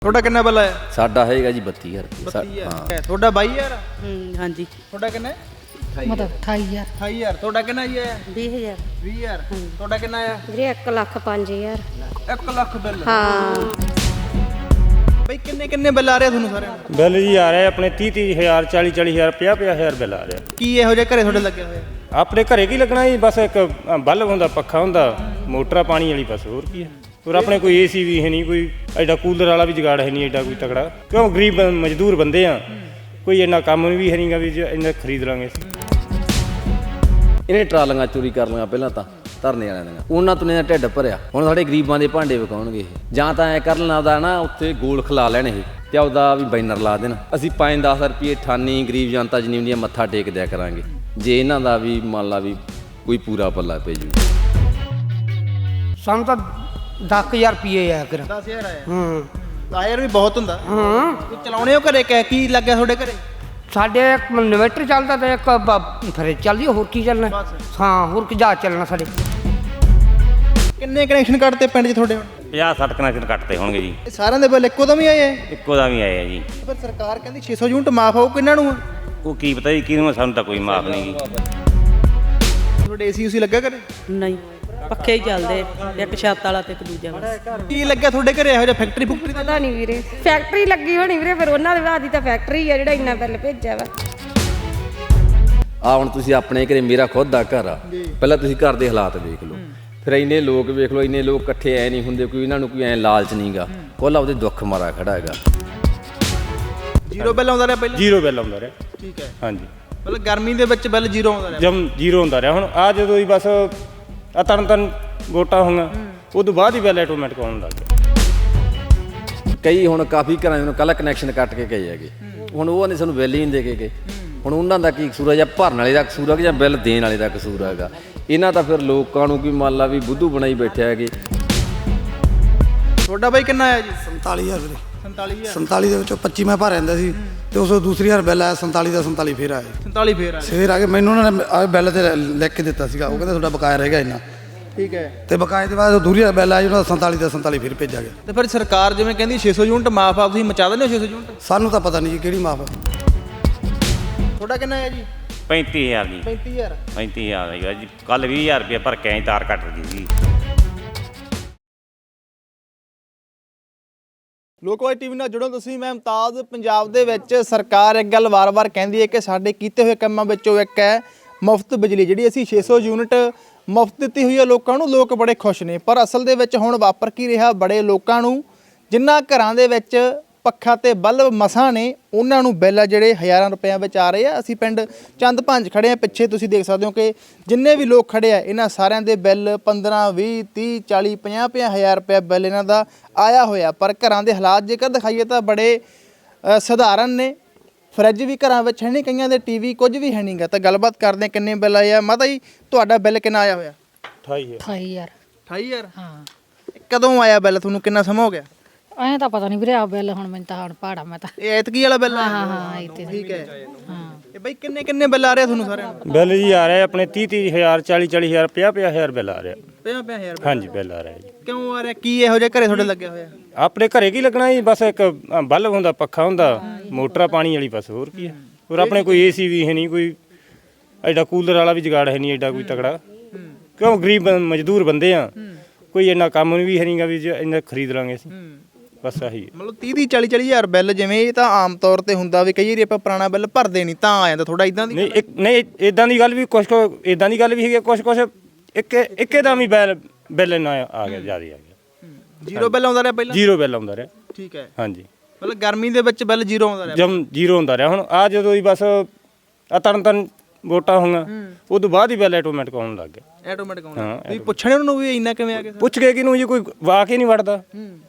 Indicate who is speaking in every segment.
Speaker 1: ਤੁਹਾਡਾ ਕਿੰਨਾ ਬਿੱਲ ਆਇਆ?
Speaker 2: ਸਾਡਾ ਹੈਗਾ ਜੀ 32000
Speaker 1: ਹਾਂ ਤੁਹਾਡਾ 22000?
Speaker 3: ਹਾਂਜੀ
Speaker 1: ਤੁਹਾਡਾ ਕਿੰਨਾ?
Speaker 4: ਮਤਲਬ 28000
Speaker 1: 28000 ਤੁਹਾਡਾ ਕਿੰਨਾ ਜੀ ਆਇਆ?
Speaker 3: 20000
Speaker 1: 20000 ਤੁਹਾਡਾ ਕਿੰਨਾ ਆਇਆ?
Speaker 5: ਵੀਰੇ 1,05,000
Speaker 1: 1 ਲੱਖ ਬਿੱਲ।
Speaker 5: ਹਾਂ
Speaker 1: ਬਈ ਕਿੰਨੇ ਕਿੰਨੇ ਬਿੱਲ ਆ ਰਹੇ ਤੁਹਾਨੂੰ ਸਾਰਿਆਂ ਨੂੰ?
Speaker 6: ਬਿੱਲ ਜੀ ਆ ਰਹੇ ਆਪਣੇ 30-30,000 40-40,000 50-50,000 ਬਿੱਲ ਆ ਰਿਹਾ।
Speaker 1: ਕੀ ਇਹੋ ਜਿਹੇ ਘਰੇ ਤੁਹਾਡੇ ਲੱਗੇ ਹੋਏ?
Speaker 6: ਆਪਣੇ ਘਰੇ ਕੀ ਲੱਗਣਾ ਜੀ, ਬਸ ਇੱਕ ਬਲਬ ਹੁੰਦਾ, ਪੱਖਾ ਹੁੰਦਾ, ਮੋਟਰ ਪਾਣੀ ਵਾਲੀ, ਬਸ ਹੋਰ ਕੀ ਹੈ। ਹੋਰ ਆਪਣੇ ਕੋਈ ਏਸੀ ਵੀ ਹੈ ਨਹੀਂ, ਕੋਈ ਐਡਾ ਕੂਲਰ ਵਾਲਾ ਵੀ ਜੁਗਾੜ ਹੈ ਨਹੀਂ ਐਡਾ ਕੋਈ ਤਕੜਾ, ਕਿਉਂ ਗਰੀਬ ਮਜ਼ਦੂਰ ਬੰਦੇ ਆ, ਕੋਈ ਇੰਨਾ ਕੰਮ ਵੀ ਹੈ ਨਹੀਂਗਾ ਵੀ ਇੰਨਾ ਖਰੀਦ ਲਾਂਗੇ।
Speaker 2: ਇਹਨੇ ਟਰਾਲੀਆਂ ਚੋਰੀ ਕਰ ਲਈਆਂ ਪਹਿਲਾਂ ਤਾਂ ਧਰਨੇ ਵਾਲਿਆਂ ਦੀਆਂ, ਉਹਨਾਂ ਤੋਂ ਇਹਨਾਂ ਢਿੱਡ ਭਰਿਆ। ਹੁਣ ਸਾਡੇ ਗਰੀਬਾਂ ਦੇ ਭਾਂਡੇ ਵਿਕਾਉਣਗੇ ਇਹ, ਜਾਂ ਤਾਂ ਐ ਕਰ ਲੈਣਾ ਉਹਦਾ ਨਾ ਉੱਥੇ ਗੋਲ ਖਿਲਾ ਲੈਣ ਇਹ ਤੇ ਉਹਦਾ ਵੀ ਬੈਨਰ ਲਾ ਦੇਣ, ਅਸੀਂ 5-10 ਰੁਪਏ ਠਾਨੀ ਗਰੀਬ ਜਨਤਾ ਜਿੰਨੀ ਹੁੰਦੀ ਆ ਮੱਥਾ ਟੇਕ ਦਿਆ ਕਰਾਂਗੇ, ਜੇ ਇਹਨਾਂ ਦਾ ਵੀ ਮੰਨ ਲਾ ਵੀ ਕੋਈ ਪੂਰਾ ਪੱਲਾ ਪੈ ਜੂ।
Speaker 4: ਸਾਨੂੰ ਤਾਂ 10,000 ਰੁਪਏ ਆਇਆ ਕਰ।
Speaker 1: 10000 ਆਇਆ? 1000 ਵੀ ਬਹੁਤ ਹੁੰਦਾ। ਤੂੰ ਚਲਾਉਣੇ ਹੋ ਘਰੇ? ਕੀ ਲੱਗਿਆ ਤੁਹਾਡੇ ਘਰੇ?
Speaker 4: ਸਾਡੇ ਇੱਕ ਇਨਵਰਟਰ ਚੱਲਦਾ ਤੇ ਇੱਕ ਫਰਿੱਜ ਚੱਲਦੀ, ਹੋਰ ਕੀ ਚੱਲਣਾ? ਹਾਂ ਹੋਰ ਕੀ ਜਾ ਚੱਲਣਾ ਸਾਡੇ।
Speaker 1: ਕਿੰਨੇ ਕਨੈਕਸ਼ਨ ਕੱਟਤੇ ਪਿੰਡ 'ਚ ਤੁਹਾਡੇ ਹੁਣ?
Speaker 6: 50-60 ਕਨੈਕਸ਼ਨ ਕੱਟਦੇ ਹੋਣਗੇ ਜੀ।
Speaker 1: ਇਹ ਸਾਰਿਆਂ ਦੇ ਬਿੱਲ ਇੱਕੋ ਦਮ ਹੀ ਆਏ ਆ?
Speaker 6: ਇੱਕੋ ਦਾ ਵੀ ਆਏ ਆ ਜੀ।
Speaker 1: ਪਰ ਸਰਕਾਰ ਕਹਿੰਦੀ 600 ਯੂਨਿਟ ਮਾਫ ਹੋਊ, ਕਿੰਨਾਂ ਨੂੰ?
Speaker 6: ਉਹ ਕੀ ਪਤਾ ਜੀ ਕਿਹਨੂੰ, ਸਾਨੂੰ ਤਾਂ ਕੋਈ ਮਾਫ ਨਹੀਂ ਗੀ।
Speaker 1: ਤੁਹਾਡੇ ਏਸੀ ਉਸੀ ਲੱਗਾ ਘਰੇ?
Speaker 3: ਨਹੀਂ ਪੱਖੇ ਹੀ ਚੱਲਦੇ, ਇੱਕ ਛੱਤ ਵਾਲਾ ਤੇ ਇੱਕ ਦੂਜਾ ਵਾਲਾ।
Speaker 1: ਕੀ ਲੱਗਿਆ ਤੁਹਾਡੇ ਘਰੇ ਇਹੋ ਜਿਹਾ? ਫੈਕਟਰੀ ਫੁਕਟਰੀ ਦਾ?
Speaker 5: ਪਤਾ ਨਹੀਂ ਵੀਰੇ, ਫੈਕਟਰੀ ਲੱਗੀ ਹੋਣੀ ਵੀਰੇ, ਫਿਰ ਉਹਨਾਂ ਦੇ ਬਾਅਦ ਹੀ ਤਾਂ ਫੈਕਟਰੀ ਆ ਜਿਹੜਾ ਇੰਨਾ ਬਿੱਲ ਭੇਜਿਆ ਵਾ।
Speaker 2: ਆ ਹੁਣ ਤੁਸੀਂ ਆਪਣੇ ਘਰੇ, ਮੇਰਾ ਖੁਦ ਦਾ ਘਰ ਆ, ਪਹਿਲਾਂ ਤੁਸੀਂ ਘਰ ਦੇ ਹਾਲਾਤ ਦੇਖ ਲਓ, ਫਿਰ ਇੰਨੇ ਲੋਕ ਵੇਖ ਲਓ, ਇੰਨੇ ਲੋਕ ਇਕੱਠੇ ਐ ਨਹੀਂ ਹੁੰਦੇ, ਕੋਈ ਇਹਨਾਂ ਨੂੰ ਕੋਈ ਐ ਲਾਲਚ ਨਹੀਂਗਾ, ਕੋਲਾ ਉਹਦੇ ਦੁੱਖ ਮਾਰਾ ਖੜਾ ਹੈਗਾ।
Speaker 1: ਜ਼ੀਰੋ ਬਿੱਲ ਆਉਂਦਾ ਰਿਹਾ ਪਹਿਲਾਂ?
Speaker 6: ਜ਼ੀਰੋ ਬਿੱਲ ਆਉਂਦਾ ਰਿਹਾ।
Speaker 1: ਠੀਕ ਹੈ,
Speaker 6: ਹਾਂਜੀ
Speaker 1: ਮਤਲਬ ਗਰਮੀ ਦੇ ਵਿੱਚ ਬਿੱਲ ਜ਼ੀਰੋ ਆਉਂਦਾ ਰਿਹਾ?
Speaker 6: ਜਮ ਜ਼ੀਰੋ ਹੁੰਦਾ ਰਿਹਾ। ਹੁਣ ਆ ਜਦੋਂ ਹੀ ਬਸ ਆ ਤਰਨ ਵੋਟਾਂ ਹੋਈਆਂ, ਉਦੋਂ ਬਾਅਦ ਹੀ ਬਿੱਲ ਆਟੋਮੈਟਿਕ ਆਉਣ ਲੱਗ ਗਿਆ।
Speaker 2: ਕਈ ਹੁਣ ਕਾਫੀ ਘਰਾਂ ਨੂੰ ਕੱਲਾ ਕਨੈਕਸ਼ਨ ਕੱਟ ਕੇ ਗਏ ਹੈਗੇ, ਹੁਣ ਉਹ ਨੇ ਸਾਨੂੰ ਬਿੱਲ ਹੀ ਨਹੀਂ ਦੇ ਕੇ ਗਏ। ਹੁਣ ਉਹਨਾਂ ਦਾ ਕੀ ਕਸੂਰ ਹੈ? ਜਾਂ ਭਰਨ ਵਾਲੇ ਦਾ ਕਸੂਰ ਹੈ ਜਾਂ ਬਿੱਲ ਦੇਣ ਵਾਲੇ ਦਾ ਕਸੂਰ ਹੈਗਾ? ਇਹਨਾਂ ਤਾਂ ਫਿਰ ਲੋਕਾਂ ਨੂੰ ਕੀ ਮੰਨ ਲਾ ਵੀ ਬੁੱਧੂ ਬਣਾਈ ਬੈਠੇ ਹੈਗੇ।
Speaker 1: ਤੁਹਾਡਾ ਬਾਈ ਕਿੰਨਾ ਆਇਆ ਜੀ?
Speaker 7: 47,000 ਵੀਰੇ।
Speaker 1: 47,000?
Speaker 7: 47 ਦੇ ਵਿੱਚੋਂ 25 ਮੈਂ ਭਰ ਜਾਂਦਾ ਸੀ ਤੇ ਉਸ ਤੋਂ ਦੂਸਰੀ ਵਾਰ ਬਿੱਲ ਆਇਆ 47 ਦਾ, 47 ਫੇਰ ਆਇਆ।
Speaker 1: 47 ਫੇਰ ਆਇਆ?
Speaker 7: ਫੇਰ ਆ ਕੇ ਮੈਨੂੰ ਉਹਨਾਂ ਨੇ ਆ ਬਿੱਲ ਤੇ ਲਿਖ ਕੇ ਦਿੱਤਾ ਸੀਗਾ, ਉਹ ਕਹਿੰਦੇ ਤੁਹਾਡਾ ਬਕਾਇਆ ਰਹਿ ਗਿਆ ਇੰਨਾ।
Speaker 1: ਠੀਕ ਹੈ,
Speaker 7: ਤੇ ਬਕਾਏ ਦੇ ਬਾਅਦ ਦੂਰੀ ਵਾਰ ਬਿੱਲ ਆਇਆ ਉਹਨਾਂ ਦਾ 47 ਦਾ 47 ਫੇਰ ਭੇਜਿਆ ਗਿਆ।
Speaker 1: ਤੇ ਫਿਰ ਸਰਕਾਰ ਜਿਵੇਂ ਕਹਿੰਦੀ 600 ਯੂਨਿਟ ਮਾਫ ਆ, ਤੁਸੀਂ ਮਚਾ ਦਿੰਦੇ ਹੋ 600 ਯੂਨਿਟ?
Speaker 7: ਸਾਨੂੰ ਤਾਂ ਪਤਾ ਨਹੀਂ ਜੀ ਕਿਹੜੀ ਮਾਫ।
Speaker 1: ਤੁਹਾਡਾ ਕਿੰਨਾ ਆਇਆ ਜੀ?
Speaker 6: 35,000 ਜੀ।
Speaker 1: 35,000?
Speaker 6: 35,000 ਆਈਗਾ ਜੀ। ਕੱਲ 20,000 ਰੁਪਏ ਭਰ ਕੇ ਆਈ, ਤਾਰ ਕੱਟ ਗਈ ਜੀ।
Speaker 1: ਲੋਕਵਾਈ ਟੀਵੀ ਨਾਲ ਜੁੜੋ ਤੁਸੀਂ, ਮੈਂ ਮੁਮਤਾਜ਼। ਪੰਜਾਬ ਦੇ ਵਿੱਚ ਸਰਕਾਰ ਇੱਕ ਗੱਲ ਵਾਰ-ਵਾਰ ਕਹਿੰਦੀ ਹੈ ਕਿ ਸਾਡੇ ਕੀਤੇ ਹੋਏ ਕੰਮਾਂ ਵਿੱਚੋਂ ਇੱਕ ਹੈ ਮੁਫਤ ਬਿਜਲੀ, ਜਿਹੜੀ ਅਸੀਂ 600 ਯੂਨਿਟ ਮੁਫਤ ਦਿੱਤੀ ਹੋਈ ਹੈ ਲੋਕਾਂ ਨੂੰ। ਲੋਕ ਬੜੇ ਖੁਸ਼ ਨੇ, ਪਰ ਅਸਲ ਦੇ ਵਿੱਚ ਹੁਣ ਵਾਪਰ ਕੀ ਰਿਹਾ? ਬੜੇ ਲੋਕਾਂ ਨੂੰ ਜਿਨ੍ਹਾਂ ਘਰਾਂ ਦੇ ਵਿੱਚ ਪੱਖਾ ਤੇ ਬਲਬ ਮਸਾਂ ਨੇ, ਉਹਨਾਂ ਨੂੰ ਬਿੱਲ ਜਿਹੜੇ ਹਜ਼ਾਰਾਂ ਰੁਪਇਆਂ ਵਿੱਚ ਆ ਰਹੇ ਆ। ਅਸੀਂ ਪਿੰਡ ਚੰਦ ਭੰਜ ਖੜੇ ਆ, ਪਿੱਛੇ ਤੁਸੀਂ ਦੇਖ ਸਕਦੇ ਹੋ ਕਿ ਜਿੰਨੇ ਵੀ ਲੋਕ ਖੜੇ ਆ, ਇਹਨਾਂ ਸਾਰਿਆਂ ਦੇ ਬਿੱਲ 15, 20, 30, 40, 50 ਹਜ਼ਾਰ ਰੁਪਇਆ ਬਿੱਲ ਇਹਨਾਂ ਦਾ ਆਇਆ ਹੋਇਆ। ਪਰ ਘਰਾਂ ਦੇ ਹਾਲਾਤ ਜੇਕਰ ਦਿਖਾਈਏ ਤਾਂ ਬੜੇ ਸਧਾਰਨ ਨੇ। ਫਰਿੱਜ ਵੀ ਘਰਾਂ ਵਿੱਚ ਹੈ ਨਹੀਂ, ਕਈਆਂ ਦੇ ਟੀਵੀ ਕੁਝ ਵੀ ਹੈ ਨਹੀਂਗਾ। ਤਾਂ ਗੱਲਬਾਤ ਕਰਦੇ ਕਿੰਨੇ ਬਿੱਲ ਆਏ ਆ। ਮਾਤਾ ਜੀ ਤੁਹਾਡਾ ਬਿੱਲ ਕਿੰਨਾ ਆਇਆ ਹੋਇਆ?
Speaker 4: 28000
Speaker 1: 28,000?
Speaker 4: ਹਾਂ।
Speaker 1: ਕਦੋਂ ਆਇਆ ਬਿੱਲ ਤੁਹਾਨੂੰ? ਕਿੰਨਾ ਸਮਾਂ ਹੋ ਗਿਆ?
Speaker 4: ਐਂ ਤਾਂ ਪਤਾ ਨਹੀਂ ਵੀਰੇ, ਆ ਬਿੱਲ ਹੁਣ ਮੈਨੂੰ ਤਾਂ ਹੁਣ ਪਹਾੜਾ ਮੈਂ ਤਾਂ।
Speaker 1: ਇਹ ਐਤਕੀ ਵਾਲਾ ਬਿੱਲ?
Speaker 4: ਹਾਂ ਇਹ ਤੇ
Speaker 1: ਠੀਕ ਹੈ।
Speaker 4: ਹਾਂ
Speaker 1: ਇਹ ਬਈ ਕਿੰਨੇ ਕਿੰਨੇ ਬਿੱਲ ਆ ਰਹੇ ਤੁਹਾਨੂੰ ਸਾਰਿਆਂ ਨੂੰ?
Speaker 6: ਬਿੱਲ ਜੀ ਆ ਰਹੇ ਆਪਣੇ 30-30,000 40-40,000 50-50,000 ਬਿੱਲ ਆ ਰਿਹਾ।
Speaker 1: 50,000?
Speaker 6: ਹਾਂਜੀ ਬਿੱਲ ਆ ਰਿਹਾ ਜੀ।
Speaker 1: ਕਿਉਂ ਆ ਰਿਹਾ? ਕੀ ਇਹੋ ਜਿਹਾ ਘਰੇ ਤੁਹਾਡੇ ਲੱਗਿਆ ਹੋਇਆ?
Speaker 6: ਆਪਣੇ ਘਰੇ ਕੀ ਲੱਗਣਾ ਜੀ, ਬਸ ਇੱਕ ਬਲਬ ਹੁੰਦਾ, ਪੱਖਾ ਹੁੰਦਾ, ਮੋਟਰ ਪਾਣੀ ਵਾਲੀ, ਬਸ ਹੋਰ ਕੀ ਹੈ। ਹੋਰ ਆਪਣੇ ਕੋਈ ਏਸੀ ਵੀ ਹੈ ਨਹੀਂ, ਕੋਈ ਐਡਾ ਕੂਲਰ ਵਾਲਾ ਵੀ ਜੁਗਾੜ ਹੈ ਨਹੀਂ ਐਡਾ ਕੋਈ ਤਕੜਾ, ਕਿਉਂ ਗਰੀਬ ਮਜ਼ਦੂਰ ਬੰਦੇ ਆ, ਕੋਈ ਇੰਨਾ ਕੰਮ ਵੀ ਹੈ ਨਹੀਂਗਾ ਵੀ ਇੰਨਾ ਖਰੀਦ ਲਾਂਗੇ ਅਸੀਂ, ਬਸ ਆਹੀ।
Speaker 1: ਮਤਲਬ 30 40 ਹਜ਼ਾਰ ਬਿੱਲ, ਜਿਵੇਂ ਇਹ ਤਾਂ ਆਮ ਤੌਰ ਤੇ ਹੁੰਦਾ ਵੀ ਕਈ ਵਾਰੀ ਆਪਾਂ ਪੁਰਾਣਾ ਬਿੱਲ ਭਰਦੇ ਨਹੀਂ ਤਾਂ ਆ ਜਾਂਦਾ ਥੋੜਾ ਇਦਾਂ ਦੀ?
Speaker 6: ਨਹੀਂ ਇਦਾਂ ਦੀ ਗੱਲ ਵੀ ਕੁਛ ਇਦਾਂ ਦੀ ਗੱਲ ਵੀ ਹੈਗੀ, ਕੁਛ ਇੱਕੇ ਦਾ ਵੀ ਬਿੱਲ ਇੰਨਾ ਆ ਗਿਆ, ਜ਼ਿਆਦਾ ਆ ਗਿਆ।
Speaker 1: ਜ਼ੀਰੋ ਬਿੱਲ ਆਉਂਦਾ ਰਿਹਾ ਪਹਿਲਾਂ?
Speaker 6: ਜ਼ੀਰੋ ਬਿੱਲ ਆਉਂਦਾ ਰਿਹਾ।
Speaker 1: ਠੀਕ ਹੈ,
Speaker 6: ਹਾਂਜੀ
Speaker 1: ਮਤਲਬ ਗਰਮੀ ਦੇ ਵਿੱਚ ਬਿੱਲ ਜ਼ੀਰੋ ਆਉਂਦਾ ਰਿਹਾ?
Speaker 6: ਜਮ ਜ਼ੀਰੋ ਹੁੰਦਾ ਰਿਹਾ। ਹੁਣ ਆ ਜਦੋਂ ਹੀ ਬਸ ਆ ਤਰਨ ਵੋਟਾਂ ਹੋਈਆਂ, ਉਦੋਂ ਬਾਅਦ ਹੀ ਬਿੱਲ ਆਟੋਮੈਟਿਕ ਆਉਣ ਲੱਗ ਗਿਆ।
Speaker 1: ਆਟੋਮੈਟਿਕ ਆਉਂਦਾ? ਤੁਸੀਂ ਪੁੱਛਣੇ ਉਹਨਾਂ ਨੂੰ ਵੀ ਇੰਨਾ ਕਿਵੇਂ ਆ ਗਿਆ?
Speaker 6: ਪੁੱਛ ਕੇ ਕਿਹਨੂੰ ਜੀ, ਕੋਈ ਵਾਕ ਹੀ ਨਹੀਂ ਵੜਦਾ।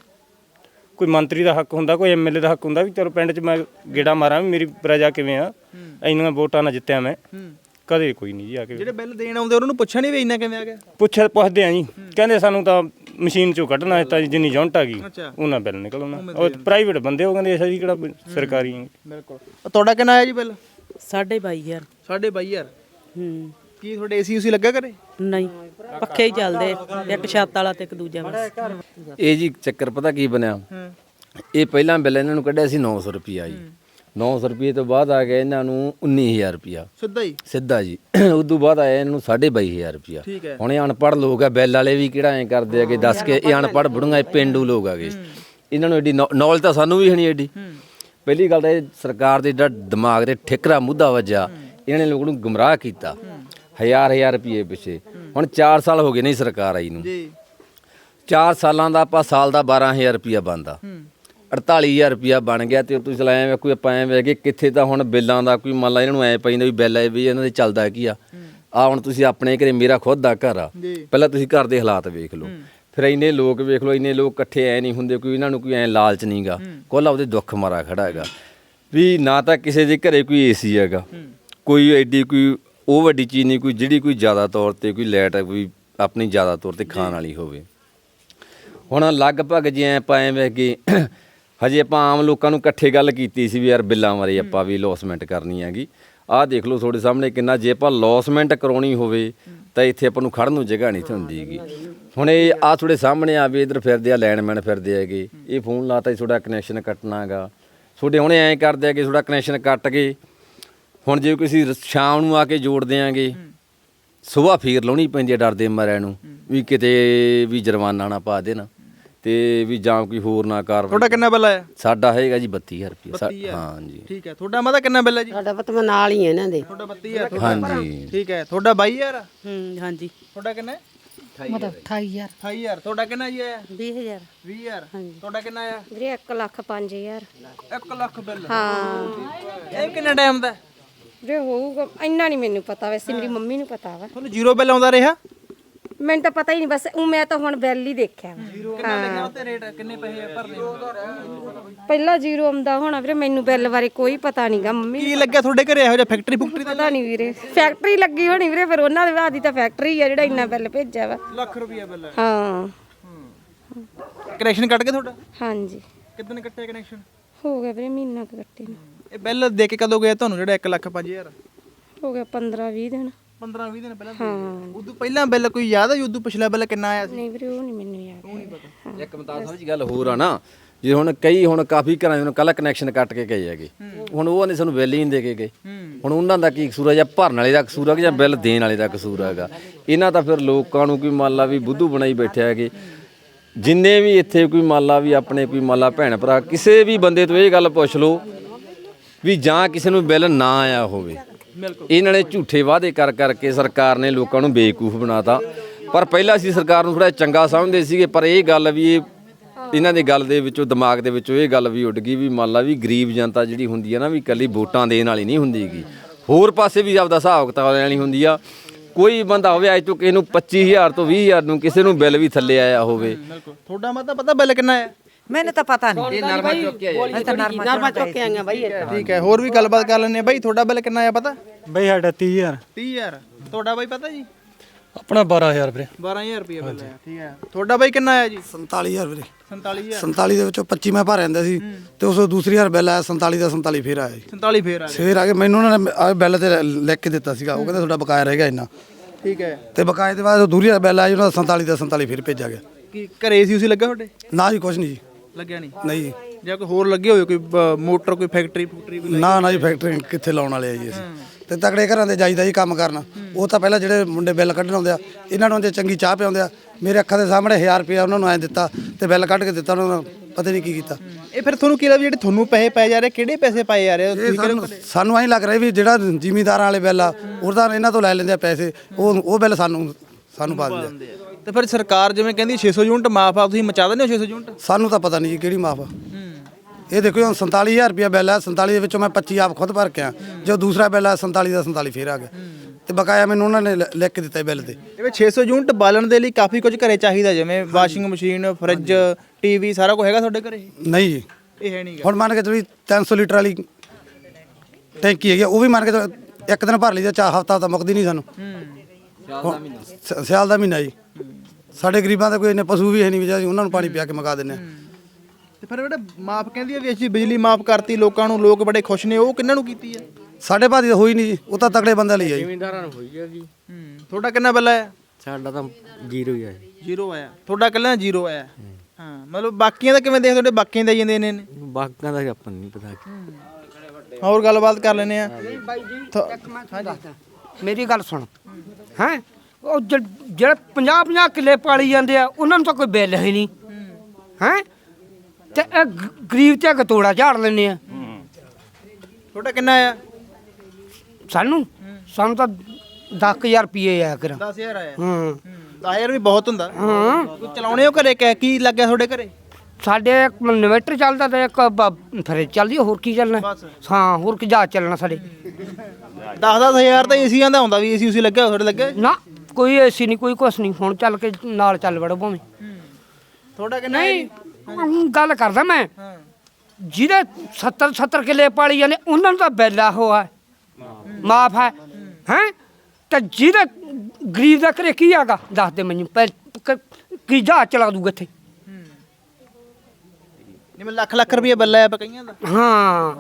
Speaker 6: ਕੋਈ ਮੰਤਰੀ ਦਾ ਹੱਕ ਹੁੰਦਾ, ਕੋਈ ਐਮਐਲਏ ਦਾ ਹੱਕ ਹੁੰਦਾ ਵੀ ਚਲੋ ਪਿੰਡ 'ਚ ਮੈਂ ਗੇੜਾ ਮਾਰਾਂ ਵੀ ਮੇਰੀ ਪ੍ਰਜਾ ਕਿਵੇਂ ਆ, ਇੰਨੀਆਂ ਵੋਟਾਂ ਨਾਲ ਜਿੱਤਿਆ ਮੈਂ। ਕਦੇ ਕੋਈ ਨਹੀਂ ਜੀ ਆ ਕੇ। ਜਿਹੜੇ
Speaker 1: ਬਿੱਲ ਦੇਣ ਆਉਂਦੇ ਉਹਨਾਂ ਨੂੰ ਪੁੱਛਣੀ ਵੀ ਇੰਨਾ ਕਿਵੇਂ ਆ ਗਿਆ?
Speaker 6: ਪੁੱਛਦੇ ਆ ਜੀ, ਕਹਿੰਦੇ ਸਾਨੂੰ ਤਾਂ ਮਸ਼ੀਨ 'ਚੋਂ ਕੱਢਣਾ ਹੈ, ਤਾਂ ਜਿੰਨੀ ਯੂਨਿਟ ਆ ਗਈ ਉਹਨਾਂ ਬਿੱਲ ਨਿਕਲਣਾ। ਉਹ ਪ੍ਰਾਈਵੇਟ ਬੰਦੇ, ਉਹ ਕਹਿੰਦੇ ਅਸੀਂ ਕਿਹੜਾ ਸਰਕਾਰੀ।
Speaker 1: ਬਿਲਕੁਲ। ਤੁਹਾਡਾ ਕਿੰਨਾ ਆਇਆ ਜੀ ਬਿੱਲ?
Speaker 3: 22,500।
Speaker 1: 22,500? ਕੀ ਤੁਹਾਡੇ ਏਸੀ ਉਸੀ ਲੱਗਾ ਘਰੇ?
Speaker 3: ਨਹੀਂ ਪੱਖੇ ਹੀ ਚੱਲਦੇ, ਇੱਕ ਛੱਤ ਵਾਲਾ ਤੇ ਇੱਕ ਦੂਜਾ ਵਾਲਾ।
Speaker 2: ਇਹ ਜੀ ਚੱਕਰ ਪਤਾ ਕੀ ਬਣਿਆ, ਇਹ ਪਹਿਲਾਂ ਬਿੱਲ ਇਹਨਾਂ ਨੂੰ ਕੱਢਿਆ ਸੀ 900 ਰੁਪਿਆ ਜੀ 900 ਰੁਪਏ ਤੋਂ ਬਾਅਦ ਆ ਗਿਆ ਇਹਨਾਂ ਨੂੰ 19000 ਰੁਪਿਆ
Speaker 1: ਸਿੱਧਾ ਹੀ
Speaker 2: ਸਿੱਧਾ ਜੀ ਉਦੋਂ ਬਾਅਦ ਆਇਆ ਇਹਨਾਂ ਨੂੰ 22500 ਰੁਪਿਆ
Speaker 1: ਠੀਕ ਹੈ।
Speaker 2: ਹੁਣ ਇਹ ਅਨਪੜ੍ਹ ਲੋਕ ਆ ਬਿੱਲ ਵਾਲੇ ਵੀ ਕਿਹੜਾ ਐਂ ਕਰਦੇ ਆ ਕਿ ਦੱਸ ਕੇ ਇਹ ਅਨਪੜ੍ਹ ਬੁੜੀਆਂ ਇਹ ਪੇਂਡੂ ਲੋਕ ਆਗੇ ਇਹਨਾਂ ਨੂੰ ਐਡੀ ਨੌਲੇਜ ਤਾਂ ਸਾਨੂੰ ਵੀ ਹੈ ਨਹੀਂ ਐਡੀ ਪਹਿਲੀ ਗੱਲ ਤਾਂ ਇਹ ਸਰਕਾਰ ਦੇ ਜਿਹੜਾ ਦਿਮਾਗ ਤੇ ਠਿਕਰਾ ਮੁੱਦਾ ਵੱਜਾ ਇਹਨਾਂ ਨੇ ਲੋਕਾਂ ਨੂੰ ਗੁੰਮਰਾਹ ਕੀਤਾ ਹਜ਼ਾਰ ਰੁਪਏ ਪਿੱਛੇ ਹੁਣ 4 ਸਾਲ ਹੋ ਗਏ ਨਹੀਂ ਸਰਕਾਰ ਆਈ ਨੂੰ
Speaker 1: ਜੀ
Speaker 2: 4 ਸਾਲਾਂ ਦਾ ਆਪਾਂ ਸਾਲ ਦਾ 12000 ਰੁਪਇਆ ਬਣਦਾ 48000 ਰੁਪਇਆ ਬਣ ਗਿਆ ਤੇ ਤੁਸੀਂ ਲਾਇਆ ਵੇ ਕੋਈ ਆਪਾਂ ਐ ਵੇ ਕਿ ਕਿੱਥੇ ਤਾਂ ਹੁਣ ਬਿੱਲਾਂ ਦਾ ਕੋਈ ਮੰਨ ਲਾ ਇਹਨਾਂ ਨੂੰ ਐ ਪੈਂਦਾ ਵੀ ਬਿੱਲ ਆਏ ਵੀ ਇਹਨਾਂ ਦੇ ਚੱਲਦਾ ਕੀ ਆ ਹੁਣ ਤੁਸੀਂ ਆਪਣੇ ਘਰੇ ਮੇਰਾ ਖੁਦ ਦਾ ਘਰ ਆ ਪਹਿਲਾਂ ਤੁਸੀਂ ਘਰ ਦੇ ਹਾਲਾਤ ਵੇਖ ਲਓ ਫਿਰ ਇੰਨੇ ਲੋਕ ਵੇਖ ਲਓ ਇੰਨੇ ਲੋਕ ਇਕੱਠੇ ਐ ਨਹੀਂ ਹੁੰਦੇ ਕੋਈ ਇਹਨਾਂ ਨੂੰ ਕੋਈ ਐ ਲਾਲਚ ਨਹੀਂਗਾ ਕੋਲਾ ਉਹਦੇ ਦੁੱਖ ਮਾਰਾ ਖੜਾ ਹੈਗਾ ਵੀ ਨਾ ਤਾਂ ਕਿਸੇ ਦੇ ਘਰੇ ਕੋਈ ਏਸੀ ਹੈਗਾ ਕੋਈ ਐਡੀ ਕੋਈ ਉਹ ਵੱਡੀ ਚੀਜ਼ ਨਹੀਂ ਕੋਈ ਜਿਹੜੀ ਕੋਈ ਜ਼ਿਆਦਾ ਤੌਰ ਤੇ ਕੋਈ ਲਾਈਟ ਕੋਈ ਆਪਣੀ ਜ਼ਿਆਦਾ ਤੌਰ ਤੇ ਖਾਣ ਵਾਲੀ ਹੋਵੇ ਹੁਣ ਲਗਭਗ ਜੇ ਆਪਾਂ ਐਵੇਂ ਕਿ ਹਜੇ ਆਪਾਂ ਆਮ ਲੋਕਾਂ ਨੂੰ ਇਕੱਠੇ ਗੱਲ ਕੀਤੀ ਸੀ ਵੀ ਯਾਰ ਬਿੱਲਾਂ ਬਾਰੇ ਆਪਾਂ ਵੀ ਲੌਸਮੈਂਟ ਕਰਨੀ ਹੈਗੀ ਆਹ ਦੇਖ ਲਓ ਤੁਹਾਡੇ ਸਾਹਮਣੇ ਕਿੰਨਾ ਜੇ ਆਪਾਂ ਲੌਸਮੈਂਟ ਕਰਾਉਣੀ ਹੋਵੇ ਤਾਂ ਇੱਥੇ ਆਪਾਂ ਨੂੰ ਖੜਨ ਨੂੰ ਜਗ੍ਹਾ ਨਹੀਂ ਹੁੰਦੀ ਹੈਗੀ ਹੁਣ ਇਹ ਆ ਤੁਹਾਡੇ ਸਾਹਮਣੇ ਆ ਵੀ ਇੱਧਰ ਫਿਰਦੇ ਆ ਲਾਈਨਮੈਨ ਫਿਰਦੇ ਹੈਗੇ ਇਹ ਫੋਨ ਲਾਤਾ ਤੁਹਾਡਾ ਕਨੈਕਸ਼ਨ ਕੱਟਣਾ ਹੈਗਾ ਤੁਹਾਡੇ ਹੁਣੇ ਐਂ ਕਰਦੇ ਆ ਕਿ ਤੁਹਾਡਾ ਕਨੈਕਸ਼ਨ ਕੱਟ ਕੇ ਹੁਣ ਜੇ ਕਿਸੇ ਸ਼ਾਮ ਨੂੰ ਆ ਕੇ ਜੋੜ ਦਿਆਂਗੇ ਸੁਬਾਹ ਫੇਰ ਲਾਉਣੀ ਪੈਂਦੀ ਹੈ ਡਰਦੇ ਮਾਰਿਆਂ ਨੂੰ ਵੀ ਕਿਤੇ ਵੀ ਜੁਰਮਾਨਾ ਨਾ ਪਾ ਦੇਣ ਤੇ ਵੀ ਜਾਂ ਕੋਈ ਹੋਰ ਨਾ ਕਾਰਵਾਈ
Speaker 1: ਤੁਹਾਡਾ ਕਿੰਨਾ ਬਿੱਲ ਆਇਆ
Speaker 2: ਸਾਡਾ ਹੈਗਾ ਜੀ 32000 ਰੁਪਏ ਹਾਂ ਜੀ
Speaker 1: ਠੀਕ ਹੈ ਤੁਹਾਡਾ ਮਾਤਾ ਕਿੰਨਾ ਬਿੱਲ ਹੈ ਜੀ
Speaker 3: ਸਾਡਾ ਪਤ ਮੈਂ ਨਾਲ ਹੀ ਇਹਨਾਂ ਦੇ
Speaker 1: ਤੁਹਾਡਾ 32000
Speaker 2: ਹਾਂਜੀ
Speaker 1: ਠੀਕ ਹੈ ਤੁਹਾਡਾ 22000
Speaker 3: ਹਾਂਜੀ
Speaker 1: ਤੁਹਾਡਾ ਕਿੰਨਾ
Speaker 8: ਮਤਲਬ 28000
Speaker 1: 28000 ਤੁਹਾਡਾ ਕਿੰਨਾ ਜੀ ਆਇਆ
Speaker 3: 20000
Speaker 1: 20000 ਤੁਹਾਡਾ ਕਿੰਨਾ ਆਇਆ
Speaker 5: ਵੀਰੇ 1,05,000
Speaker 1: 1 ਲੱਖ ਬਿੱਲ
Speaker 5: ਹਾਂ
Speaker 1: ਇਹ ਕਿੰਨੇ ਟਾਈਮ ਦਾ
Speaker 5: ਵੀਰੇ ਹੋਊਗਾ ਇੰਨਾ ਨਹੀਂ ਮੈਨੂੰ ਪਤਾ ਵੈਸੇ ਮੇਰੀ ਮੰਮੀ ਨੂੰ ਪਤਾ ਵਾ
Speaker 1: ਤੁਹਾਨੂੰ ਜ਼ੀਰੋ ਬਿੱਲ ਆਉਂਦਾ ਰਿਹਾ
Speaker 5: ਮੈਨੂੰ ਤਾਂ ਪਤਾ ਹੀ ਨਹੀਂ ਬਸ ਉਹ ਮੈਂ ਤਾਂ ਹੁਣ ਬਿੱਲ ਹੀ ਦੇਖਿਆ ਵਾ।
Speaker 1: ਕਿੰਨਾ ਲਿਖਿਆ ਉੱਤੇ ਰੇਟ ਕਿੰਨੇ ਪੈਸੇ ਭਰਨੇ
Speaker 5: ਪਹਿਲਾਂ ਜ਼ੀਰੋ ਆਉਂਦਾ ਹੋਣਾ ਵੀਰੇ ਮੈਨੂੰ ਬਿੱਲ ਬਾਰੇ ਕੋਈ ਪਤਾ ਨਹੀਂਗਾ ਮੰਮੀ
Speaker 1: ਕੀ ਲੱਗਿਆ ਤੁਹਾਡੇ ਘਰੇ ਇਹੋ ਜਿਹਾ ਫੈਕਟਰੀ ਫੁਕਟਰੀ ਦਾ
Speaker 5: ਪਤਾ ਨਹੀਂ ਵੀਰੇ ਫੈਕਟਰੀ ਲੱਗੀ ਹੋਣੀ ਵੀਰੇ ਫਿਰ ਉਹਨਾਂ ਦੇ ਬਾਅਦ ਹੀ ਤਾਂ ਫੈਕਟਰੀ ਆ ਜਿਹੜਾ ਇੰਨਾ ਬਿੱਲ ਭੇਜਿਆ ਵਾ
Speaker 1: ਲੱਖ ਰੁਪਇਆ ਬਿੱਲ
Speaker 5: ਹਾਂ
Speaker 1: ਕਨੈਕਸ਼ਨ ਕੱਟ ਕੇ ਤੁਹਾਡਾ
Speaker 5: ਹਾਂਜੀ
Speaker 1: ਕਿੰਨੇ ਕੱਟਿਆ ਕਨੈਕਸ਼ਨ
Speaker 5: ਹੋ ਗਿਆ ਵੀਰੇ ਮਹੀਨਾ ਕੁ ਕੱਟੇ ਨੂੰ
Speaker 1: ਇਹ ਬਿੱਲ ਦੇ ਕੇ ਕਦੋਂ ਗਿਆ ਤੁਹਾਨੂੰ ਜਿਹੜਾ 1,05,000
Speaker 5: ਹੋ ਗਿਆ 15-20 ਦਿਨ
Speaker 1: 15-20 ਦਿਨ ਪਹਿਲਾਂ
Speaker 5: ਹਾਂ
Speaker 1: ਉਦੋਂ ਪਹਿਲਾਂ ਬਿੱਲ ਕੋਈ ਯਾਦ ਆ ਉਦੋਂ ਪਿਛਲਾ ਬਿੱਲ ਕਿੰਨਾ ਆਇਆ ਸੀ
Speaker 5: ਨਹੀਂ ਵੀਰੇ ਉਹ ਨਹੀਂ ਮੈਨੂੰ ਯਾਦ
Speaker 2: ਇੱਕ ਮਤਾਬ ਸਾਹਿਬ ਜੀ ਗੱਲ ਹੋਰ ਆ ਨਾ ਜੇ ਹੁਣ ਕਈ ਹੁਣ ਕਾਫੀ ਘਰਾਂ ਦੇ ਕੱਲ ਕਨੈਕਸ਼ਨ ਕੱਟ ਕੇ ਗਏ ਹੈਗੇ ਹੁਣ ਉਹ ਨੇ ਸਾਨੂੰ ਬਿੱਲ ਹੀ ਨਹੀਂ ਦੇ ਕੇ ਗਏ ਹੁਣ ਉਹਨਾਂ ਦਾ ਕੀ ਕਸੂਰ ਹੈ ਜਾਂ ਭਰਨ ਵਾਲੇ ਦਾ ਕਸੂਰ ਹੈ ਜਾਂ ਬਿੱਲ ਦੇਣ ਵਾਲੇ ਦਾ ਕਸੂਰ ਹੈਗਾ ਇਹਨਾਂ ਤਾਂ ਫਿਰ ਲੋਕਾਂ ਨੂੰ ਕੋਈ ਮੰਨ ਲਾ ਵੀ ਬੁੱਧੂ ਬਣਾਈ ਬੈਠੇ ਹੈਗੇ ਜਿੰਨੇ ਵੀ ਇੱਥੇ ਕੋਈ ਮੰਨ ਲਾ ਵੀ ਆਪਣੇ ਕੋਈ ਮੰਨ ਲਾ ਭੈਣ ਭਰਾ ਕਿਸੇ ਵੀ ਬੰਦੇ ਤੋਂ ਇਹ ਗੱਲ ਪੁੱਛ ਲਓ ਵੀ ਜਾਂ ਕਿਸੇ ਨੂੰ ਬਿੱਲ ਨਾ ਆਇਆ ਹੋਵੇ ਇਹਨਾਂ ਨੇ ਝੂਠੇ ਵਾਅਦੇ ਕਰ ਕਰਕੇ ਸਰਕਾਰ ਨੇ ਲੋਕਾਂ ਨੂੰ ਬੇਵਕੂਫ ਬਣਾਤਾ ਪਰ ਪਹਿਲਾਂ ਅਸੀਂ ਸਰਕਾਰ ਨੂੰ ਥੋੜਾ ਚੰਗਾ ਸਮਝਦੇ ਸੀਗੇ ਪਰ ਇਹ ਗੱਲ ਵੀ ਇਹਨਾਂ ਦੇ ਗੱਲ ਦੇ ਵਿੱਚੋਂ ਦਿਮਾਗ ਦੇ ਵਿੱਚੋਂ ਇਹ ਗੱਲ ਵੀ ਉੱਡ ਗਈ ਵੀ ਮੰਨ ਲਾ ਵੀ ਗਰੀਬ ਜਨਤਾ ਜਿਹੜੀ ਹੁੰਦੀ ਹੈ ਨਾ ਵੀ ਇਕੱਲੀ ਵੋਟਾਂ ਦੇਣ ਵਾਲੀ ਨਹੀਂ ਹੁੰਦੀਗੀ ਹੋਰ ਪਾਸੇ ਵੀ ਆਪਦਾ ਹਿਸਾਬ ਕਿਤਾਬ ਲੈਣੀ ਹੁੰਦੀ ਆ ਕੋਈ ਬੰਦਾ ਹੋਵੇ ਅੱਜ ਤੋਂ ਕਿਸੇ ਨੂੰ 25000 ਤੋਂ 20000 ਨੂੰ ਕਿਸੇ ਨੂੰ ਬਿੱਲ ਵੀ ਥੱਲੇ ਆਇਆ ਹੋਵੇ
Speaker 1: ਤੁਹਾਡਾ ਮਤਾ ਪਤਾ ਬਿੱਲ ਕਿੰਨਾ ਆਇਆ
Speaker 3: ਮੈਨੂੰ ਤਾਂ ਪਤਾ ਨਹੀਂ
Speaker 2: ਇਹ ਨਰਮਾ ਚੁੱਕ ਕੇ ਆਇਆ
Speaker 3: ਮੈਂ ਤਾਂ ਨਰਮਾ ਚੁੱਕ ਕੇ ਆਈਆਂ ਬਾਈ
Speaker 1: ਠੀਕ ਹੈ ਹੋਰ ਵੀ ਗੱਲਬਾਤ ਕਰ ਲੈਣੇ ਬਾਈ ਤੁਹਾਡਾ ਬਿੱਲ ਕਿੰਨਾ ਆਇਆ ਪਤਾ
Speaker 6: ਬਈ ਸਾਡਾ 30000
Speaker 1: 30000 ਤੁਹਾਡਾ ਬਾਈ ਪਤਾ ਜੀ
Speaker 6: ਆਪਣਾ 12000 ਵੀਰੇ
Speaker 1: 12000 ਰੁਪਏ ਬਿੱਲ ਆਇਆ ਠੀਕ ਹੈ ਤੁਹਾਡਾ ਬਾਈ ਕਿੰਨਾ ਆਇਆ ਜੀ
Speaker 7: 47000 ਵੀਰੇ
Speaker 1: 47000
Speaker 7: 47 ਦੇ ਵਿੱਚੋਂ 25 ਮੈਂ ਭਰ ਜਾਂਦਾ ਸੀ ਤੇ ਉਸ ਤੋਂ ਦੂਸਰੀ ਵਾਰ ਬਿੱਲ ਆਇਆ 47 ਦਾ 47 ਫੇਰ ਆਇਆ ਜੀ
Speaker 1: 47 ਫੇਰ ਆ ਗਿਆ
Speaker 7: ਫੇਰ ਆ ਕੇ ਮੈਨੂੰ ਉਹਨਾਂ ਨੇ ਆ ਬਿੱਲ ਤੇ ਲਿਖ ਕੇ ਦਿੱਤਾ ਸੀਗਾ ਉਹ ਕਹਿੰਦੇ ਤੁਹਾਡਾ ਬਕਾਇਆ ਰਹਿ ਗਿਆ ਇੰਨਾ
Speaker 1: ਠੀਕ ਹੈ
Speaker 7: ਤੇ ਬਕਾਏ ਦੇ ਬਾਅਦ ਦੂਰੀ ਵਾਰ ਬਿੱਲ ਆਇਆ ਜੀ ਉਹਨਾਂ ਦਾ 47 ਦਾ 47 ਫੇਰ ਭੇਜਿਆ ਗਿਆ
Speaker 1: ਕੀ ਘਰੇ ਸੀ ਉਸੇ ਲੱਗਾ ਤੁਹਾਡੇ
Speaker 7: ਨਾ ਜੀ ਕੁਛ ਨਹੀਂ ਜੀ
Speaker 1: ਲੱਗਿਆ ਨਹੀਂ
Speaker 7: ਨਹੀਂ ਜੀ
Speaker 1: ਜਾਂ ਕੋਈ ਹੋਰ ਲੱਗੇ ਹੋਏ ਕੋਈ ਮੋਟਰ ਕੋਈ ਫੈਕਟਰੀ ਫੂਕਟਰੀ ਵੀ
Speaker 7: ਨਾ ਨਾ ਜੀ ਫੈਕਟਰੀ ਕਿੱਥੇ ਲਾਉਣ ਵਾਲੇ ਆ ਜੀ ਅਸੀਂ ਤੇ ਤਕੜੇ ਘਰਾਂ ਦੇ ਜਾਈਦਾ ਜੀ ਕੰਮ ਕਰਨ ਉਹ ਤਾਂ ਪਹਿਲਾਂ ਜਿਹੜੇ ਮੁੰਡੇ ਬਿੱਲ ਕੱਢਣ ਆਉਂਦੇ ਆ ਇਹਨਾਂ ਨੂੰ ਜੇ ਚੰਗੀ ਚਾਹ ਪਿਆਉਂਦੇ ਆ ਮੇਰੇ ਅੱਖਾਂ ਦੇ ਸਾਹਮਣੇ 1000 ਰੁਪਇਆ ਉਹਨਾਂ ਨੂੰ ਐ ਦਿੱਤਾ ਤੇ ਬਿੱਲ ਕੱਢ ਕੇ ਦਿੱਤਾ ਉਹਨਾਂ ਨੂੰ ਪਤਾ ਨਹੀਂ ਕੀ ਕੀਤਾ
Speaker 1: ਇਹ ਫਿਰ ਤੁਹਾਨੂੰ ਕੀ ਲੱਗਦਾ ਜਿਹੜੇ ਤੁਹਾਨੂੰ ਪੈਸੇ ਪਏ ਜਾ ਰਹੇ ਕਿਹੜੇ ਪੈਸੇ ਪਾਏ ਜਾ ਰਹੇ
Speaker 7: ਇਹ ਸਾਨੂੰ ਐਂ ਲੱਗ ਰਿਹਾ ਵੀ ਜਿਹੜਾ ਜ਼ਿਮੀਂਦਾਰਾਂ ਵਾਲੇ ਬਿੱਲ ਆ ਉਹਦਾ ਇਹਨਾਂ ਤੋਂ ਲੈ ਲੈਂਦੇ ਆ ਪੈਸੇ ਉਹ ਬਿੱਲ ਸਾਨੂੰ ਪਾ ਦਿੰਦੇ ਆ
Speaker 1: ਤੇ ਫਿਰ ਸਰਕਾਰ ਜਿਵੇਂ ਕਹਿੰਦੀ 600 ਯੂਨਿਟ ਮਾਫ ਆ ਤੁਸੀਂ ਮਚਾ ਦਿੰਦੇ ਹੋ 600 ਯੂਨਿਟ
Speaker 7: ਸਾਨੂੰ ਤਾਂ ਪਤਾ ਨਹੀਂ ਜੀ ਕਿਹੜੀ ਮਾਫ ਆ ਇਹ ਦੇਖੋ ਹੁਣ 47000 ਰੁਪਇਆ ਬਿੱਲ ਆ 47 ਦੇ ਵਿੱਚੋਂ ਮੈਂ 25 ਆਪ ਖੁਦ ਭਰ ਕੇ ਆ ਜੋ ਦੂਸਰਾ ਬਿੱਲ ਆ 47 ਦਾ 47 ਫੇਰ ਆ ਗਿਆ ਤੇ ਬਕਾਇਆ ਮੈਨੂੰ ਉਹਨਾਂ ਨੇ ਲਿਖ ਕੇ ਦਿੱਤਾ ਬਿੱਲ ਤੇ
Speaker 1: ਇਹ 600 ਯੂਨਿਟ ਬਾਲਣ ਦੇ ਲਈ ਕਾਫੀ ਕੁਝ ਘਰੇ ਚਾਹੀਦਾ ਜਿਵੇਂ ਵਾਸ਼ਿੰਗ ਮਸ਼ੀਨ ਫਰਿੱਜ ਟੀਵੀ ਸਾਰਾ ਕੁਝ ਹੈਗਾ ਤੁਹਾਡੇ ਘਰੇ
Speaker 7: ਨਹੀਂ ਜੀ
Speaker 1: ਇਹ ਹੈ ਨਹੀਂਗਾ
Speaker 7: ਹੁਣ ਮੰਨ ਕੇ ਚਲੀ 300 ਲੀਟਰ ਵਾਲੀ ਟੈਂਕੀ ਹੈਗੀ ਉਹ ਵੀ ਮੰਨ ਕੇ ਚੱਲੋ ਇੱਕ ਦਿਨ ਭਰ ਲਈ ਤਾਂ ਹਫਤਾ ਤਾਂ ਮੁੱਕਦੀ ਨਹੀਂ ਸਾਨੂੰ ਸਿਆਲ ਦਾ ਮਹੀਨਾ ਜੀ ਸਾਡੇ ਗਰੀਬਾਂ ਦਾ ਕੋਈ ਇੰਨੇ ਪਸ਼ੂ ਵੀ ਹੈ ਨਹੀਂ ਵੀ ਉਹਨਾਂ ਨੂੰ ਪਾਣੀ ਪਿਆ ਕੇ ਮੁਕਾ ਦਿੰਦੇ ਆ
Speaker 1: ਤੇ ਫਿਰ ਬੇਟਾ ਮਾਫ ਕਹਿੰਦੀ ਆ ਵੀ ਅਸੀਂ ਬਿਜਲੀ ਮਾਫ ਕਰਤੀ ਲੋਕਾਂ ਨੂੰ ਲੋਕ ਬੜੇ ਖੁਸ਼ ਨੇ ਉਹ ਕਿੰਨਾਂ ਨੂੰ ਕੀਤੀ ਆ
Speaker 7: ਸਾਡੇ ਭਾਦੀ ਤਾਂ ਹੋਈ ਨਹੀਂ ਜੀ ਉਹ ਤਾਂ ਤਕੜੇ ਬੰਦੇ ਲਈ ਆ ਜੀ
Speaker 6: ਜ਼ਿਮੀਂਦਾਰਾਂ ਨੂੰ ਹੋਈ ਆ ਜੀ
Speaker 1: ਤੁਹਾਡਾ ਕਿੰਨਾ ਬਿੱਲ ਆਇਆ
Speaker 6: ਸਾਡਾ ਤਾਂ ਜ਼ੀਰੋ ਹੀ ਆ
Speaker 1: ਜ਼ੀਰੋ ਆਇਆ ਤੁਹਾਡਾ ਕਿੰਨਾ ਜ਼ੀਰੋ ਆਇਆ ਹਾਂ ਮਤਲਬ ਬਾਕੀਆਂ ਦਾ ਕਿਵੇਂ ਦੇਖਦੇ ਤੁਹਾਡੇ ਬਾਕੀਆਂ ਦੇ ਜਾਂਦੇ ਨੇ
Speaker 2: ਬਾਕਾਂ ਦਾ ਆਪਾਂ ਨਹੀਂ ਪਤਾ
Speaker 1: ਹੋਰ ਗੱਲਬਾਤ ਕਰ ਲੈਨੇ ਆ
Speaker 4: ਮੇਰੀ ਗੱਲ ਸੁਣ ਹੈ ਉਹ ਜਿਹੜੇ 50 ਕਿੱਲੇ ਪਾਲੀ ਜਾਂਦੇ ਆ ਉਹਨਾਂ ਨੂੰ ਤਾਂ ਕੋਈ ਬਿੱਲ ਹੈ ਨਹੀਂ ਹੈ ਤੇ ਇਹ ਗਰੀਬ ਤੇ ਗਤੋੜਾ ਝਾੜ ਲੈਂਦੇ ਆ
Speaker 1: ਤੁਹਾਡਾ ਕਿੰਨਾ ਆ
Speaker 4: ਸਾਨੂੰ ਤਾਂ 10000 ਰੁਪਏ ਆਇਆ ਕਰ
Speaker 1: 10000 ਆਇਆ
Speaker 4: ਹਾਂ
Speaker 1: 10000 ਵੀ ਬਹੁਤ ਹੁੰਦਾ
Speaker 4: ਹਾਂ
Speaker 1: ਤੂੰ ਚਲਾਉਣੇ ਹੋ ਘਰੇ ਕੀ ਲੱਗਿਆ ਤੁਹਾਡੇ ਘਰੇ
Speaker 4: ਸਾਡੇ ਇੱਕ ਇਨਵੇਟਰ ਚੱਲਦਾ ਤੇ ਇੱਕ ਫਰਿੱਜ ਚੱਲਦੀ ਆ, ਹੋਰ ਕੀ ਚੱਲਣਾ ਹਾਂ ਹੋਰ ਕੀ ਜਾ ਚੱਲਣਾ ਸਾਡੇ
Speaker 1: 10-10000 ਤਾਂ ਏਸੀਆਂ ਦਾ ਹੁੰਦਾ ਵੀ ਏਸੀ ਉਸੇ ਲੱਗਿਆ ਤੁਹਾਡੇ ਲੱਗੇ
Speaker 4: ਨਾ ਕੋਈ ਏਸੀ ਨਹੀਂ ਕੋਈ ਕੁਛ ਨਹੀਂ ਹੁਣ ਚੱਲ ਕੇ ਨਾਲ ਚੱਲ ਵੜੋ ਭਾਵੇਂ
Speaker 1: ਤੁਹਾਡਾ ਕਿੰਨਾ
Speaker 4: ਨਹੀਂ ਗੱਲ ਕਰਦਾ ਮੈਂ ਜਿਹਦੇ 70 ਕਿੱਲੇ ਪਾਲੀ ਜਾਂਦੇ ਉਹਨਾਂ ਨੂੰ ਤਾਂ ਬਿੱਲ ਹੋਆ ਮਾਫ ਹੈ ਹੈ ਤੇ ਜਿਹਦੇ ਗਰੀਬ ਦਾ ਘਰੇ ਕੀ ਹੈਗਾ ਦੱਸ ਦੇ ਮੈਨੂੰ ਕੀ ਜਹਾਜ਼ ਚਲਾ ਦੂਗਾ ਇੱਥੇ
Speaker 1: ਜਿਵੇਂ ਲੱਖ ਰੁਪਏ ਬਿੱਲ ਆਇਆ ਕਈਆਂ ਦਾ
Speaker 4: ਹਾਂ